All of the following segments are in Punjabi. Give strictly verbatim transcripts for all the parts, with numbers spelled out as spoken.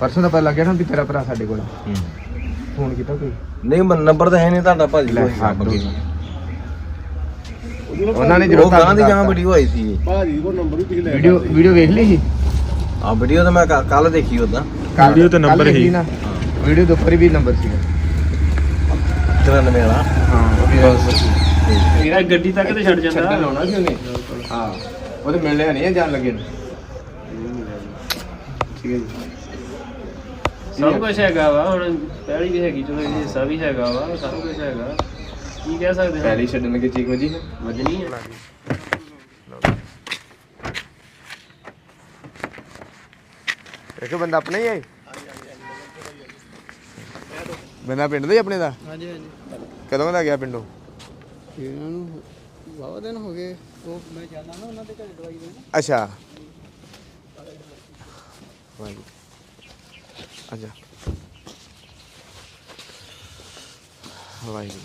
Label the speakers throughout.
Speaker 1: परसों का पता लग गया ना भी तेरा भरा साडे कोल फोन किया कोई
Speaker 2: नहीं नंबर तो है नहीं तुहाडा भाजी
Speaker 1: उन्होंने
Speaker 2: जो गां दी जहां वीडियो आई थी
Speaker 3: भाजी को नंबर भी पिछले
Speaker 1: वीडियो वीडियो देख ली थी
Speaker 2: हां वीडियो तो मैं कल देखी ओदा
Speaker 1: वीडियो तो नंबर ही ना वीडियो के ऊपर भी नंबर सी
Speaker 2: तिरानवे वाला
Speaker 1: हां वो भी
Speaker 3: मेरा गड्डी तक ते छड़ जांदा
Speaker 1: लाउना सी ओने हां ਉਹ ਤੇ ਮਿਲਣੇ ਨਹੀਂ ਜਾਣ ਲੱਗੇ ਨੂੰ ਠੀਕ ਹੈ ਜੀ
Speaker 3: ਸਭ ਕੁਝ ਹੈਗਾ ਵਾ ਹੁਣ ਪਹਿਲੀ ਵੀ ਹੈਗੀ ਚਲੋ ਇਹ ਹਿੱਸਾ ਵੀ ਹੈਗਾ ਵਾ ਸਭ ਕੁਝ ਹੈਗਾ ਕੀ ਕਹਿ ਸਕਦੇ ਹਾਂ
Speaker 1: ਪਹਿਲੀ ਛੱਡਣ ਲੱਗੇ ਚੀਕ ਵਜੀ ਹੈ
Speaker 3: ਵਜਣੀ ਹੈ
Speaker 1: ਇੱਕ ਬੰਦਾ ਆਪਣਾ ਹੀ ਹੈ ਬੰਦਾ ਪਿੰਡ ਦਾ ਹੀ ਆਪਣੇ ਦਾ
Speaker 4: ਹਾਂਜੀ ਹਾਂਜੀ
Speaker 1: ਕਦੋਂ ਦਾ ਗਿਆ ਪਿੰਡੋਂ
Speaker 4: ਇਹਨਾਂ ਨੂੰ ਬਾਵਾ ਦਿਨ ਹੋ ਗਏ ਉਹ ਮੈਂ ਜਾਂਦਾ ਨਾ ਉਹਨਾਂ ਦੇ ਘਰੇ ਦਵਾਈ ਦੇਣ
Speaker 1: ਅੱਛਾ ਵਾਹਿਗੁਰੂ ਅੱਛਾ ਵਾਹਿਗੁਰੂ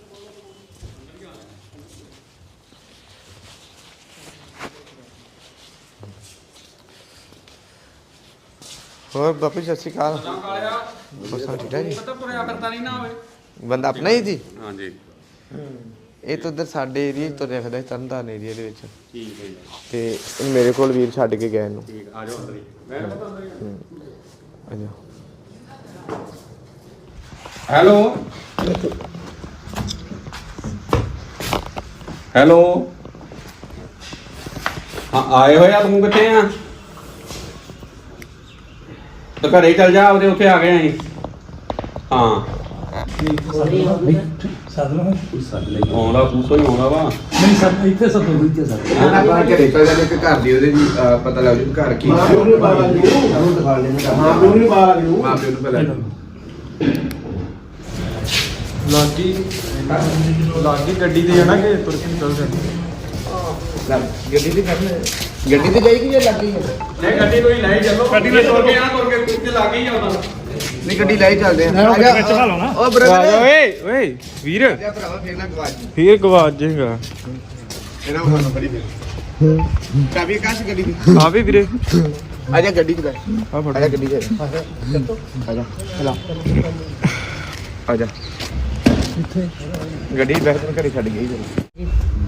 Speaker 1: ਹੋਰ ਬਾਪੂ ਸਤਿ ਸ਼੍ਰੀ ਅਕਾਲ ਬਸ ਠੀਕ ਹੈ ਜੀ ਬੰਦਾ ਆਪਣਾ ਹੀ ਜੀ
Speaker 5: ਹਾਂਜੀ
Speaker 1: ਇਹ ਤਾਂ ਉਧਰ ਸਾਡੇ ਏਰੀਆ ਤੋਂ ਰੱਖਦਾ ਤਰਨਤਾਰਨ ਏਰੀਆ ਦੇ ਵਿੱਚ
Speaker 5: ਠੀਕ ਹੈ ਜੀ
Speaker 1: ਤੇ ਮੇਰੇ ਕੋਲ ਵੀਰ ਛੱਡ ਕੇ ਗਏ ਇਹਨੂੰ
Speaker 5: ਠੀਕ ਆ ਜਾਓ ਅੰਦਰ ਹੀ ਮੈਂ ਪਤਾ ਅੰਦਰ ਹੀ
Speaker 1: ਅੱਛਾ
Speaker 5: ਹੈਲੋ ਹੈਲੋ ਹਾਂ ਆਏ ਹੋਏ ਆ ਤੂੰ ਕਿੱਥੇ ਆ ਤਾਂ ਘਰੇ ਚੱਲ ਜਾ ਉਹਦੇ ਉੱਥੇ ਆ ਗਏ ਅਸੀਂ ਹਾਂ ਆਉਂਦਾ ਪੂਸੋ ਹੀ ਆਉਂਦਾ ਵਾ
Speaker 6: ਨਹੀਂ ਸਰ ਇੱਥੇ ਸਭ ਤੋਂ ਇੱਥੇ ਸਰ
Speaker 1: ਆਪਾਂ ਘਰੇ ਪੈ ਜਾਂਦੇ ਕਿ ਘਰ ਦੀ ਉਹਦੇ ਜੀ ਪਤਾ ਲੱਗ ਜੂ ਘਰ ਕੀ
Speaker 3: ਮਾਂ ਪਿਓ ਨੂੰ ਪਾ ਲਾ ਦਿਓ ਮਾਂ ਪਿਓ ਨੂੰ ਪਾ ਲਾ ਦਿਓ
Speaker 1: ਮਾਂ ਪਿਓ ਨੂੰ ਪਤਾ
Speaker 6: ਲਾਗੀ ਲਾਗੀ ਗੱਡੀ ਤੇ ਜਾਣਾ ਕਿ ਤੁਰ ਕੇ ਚੱਲ ਜਾਂਦੇ
Speaker 1: ਗੱਡੀ ਤੇ ਕਰਨਾ ਗੱਡੀ ਤੇ ਜਾਏਗੀ ਜਾਂ ਲੱਗੀ
Speaker 5: ਨਹੀਂ ਗੱਡੀ ਕੋਈ ਲੈ ਚੱਲੋ ਗੱਡੀ ਵਿੱਚ ਤੁਰ ਕੇ ਆ ਤੁਰ ਕੇ ਕੁੱਤੇ ਲੱਗ ਹੀ ਆਉਂਦਾ
Speaker 1: ਨਹੀਂ ਗੱਡੀ ਲੈ ਚੱਲਦੇ ਆ ਆ ਜਾ ਓ ਬ੍ਰਦਰ
Speaker 6: ਓਏ ਓਏ ਵੀਰ
Speaker 1: ਆ ਭਰਾਵਾ ਫੇਰ ਨਾ ਗਵਾਚ
Speaker 6: ਫੇਰ ਗਵਾਚ ਜਾਏਗਾ
Speaker 1: ਇਹਨਾਂ ਨੂੰ ਫੋਨ ਫੜੀ ਫੇਰ ਚਾਬੀ ਕਾਸ਼ ਗੱਡੀ ਦੀ
Speaker 6: ਆ ਵੀ ਵੀਰੇ
Speaker 1: ਆ ਜਾ ਗੱਡੀ ਚ ਬੈ
Speaker 6: ਆ ਫੜ
Speaker 1: ਆ ਜਾ ਗੱਡੀ ਚ ਆ ਜਾ ਚਲਾ ਆ ਜਾ
Speaker 6: ਇੱਥੇ
Speaker 1: ਗੱਡੀ ਬੈਠ ਕੇ ਘਰੇ ਛੱਡ ਗਈ ਜਰਾ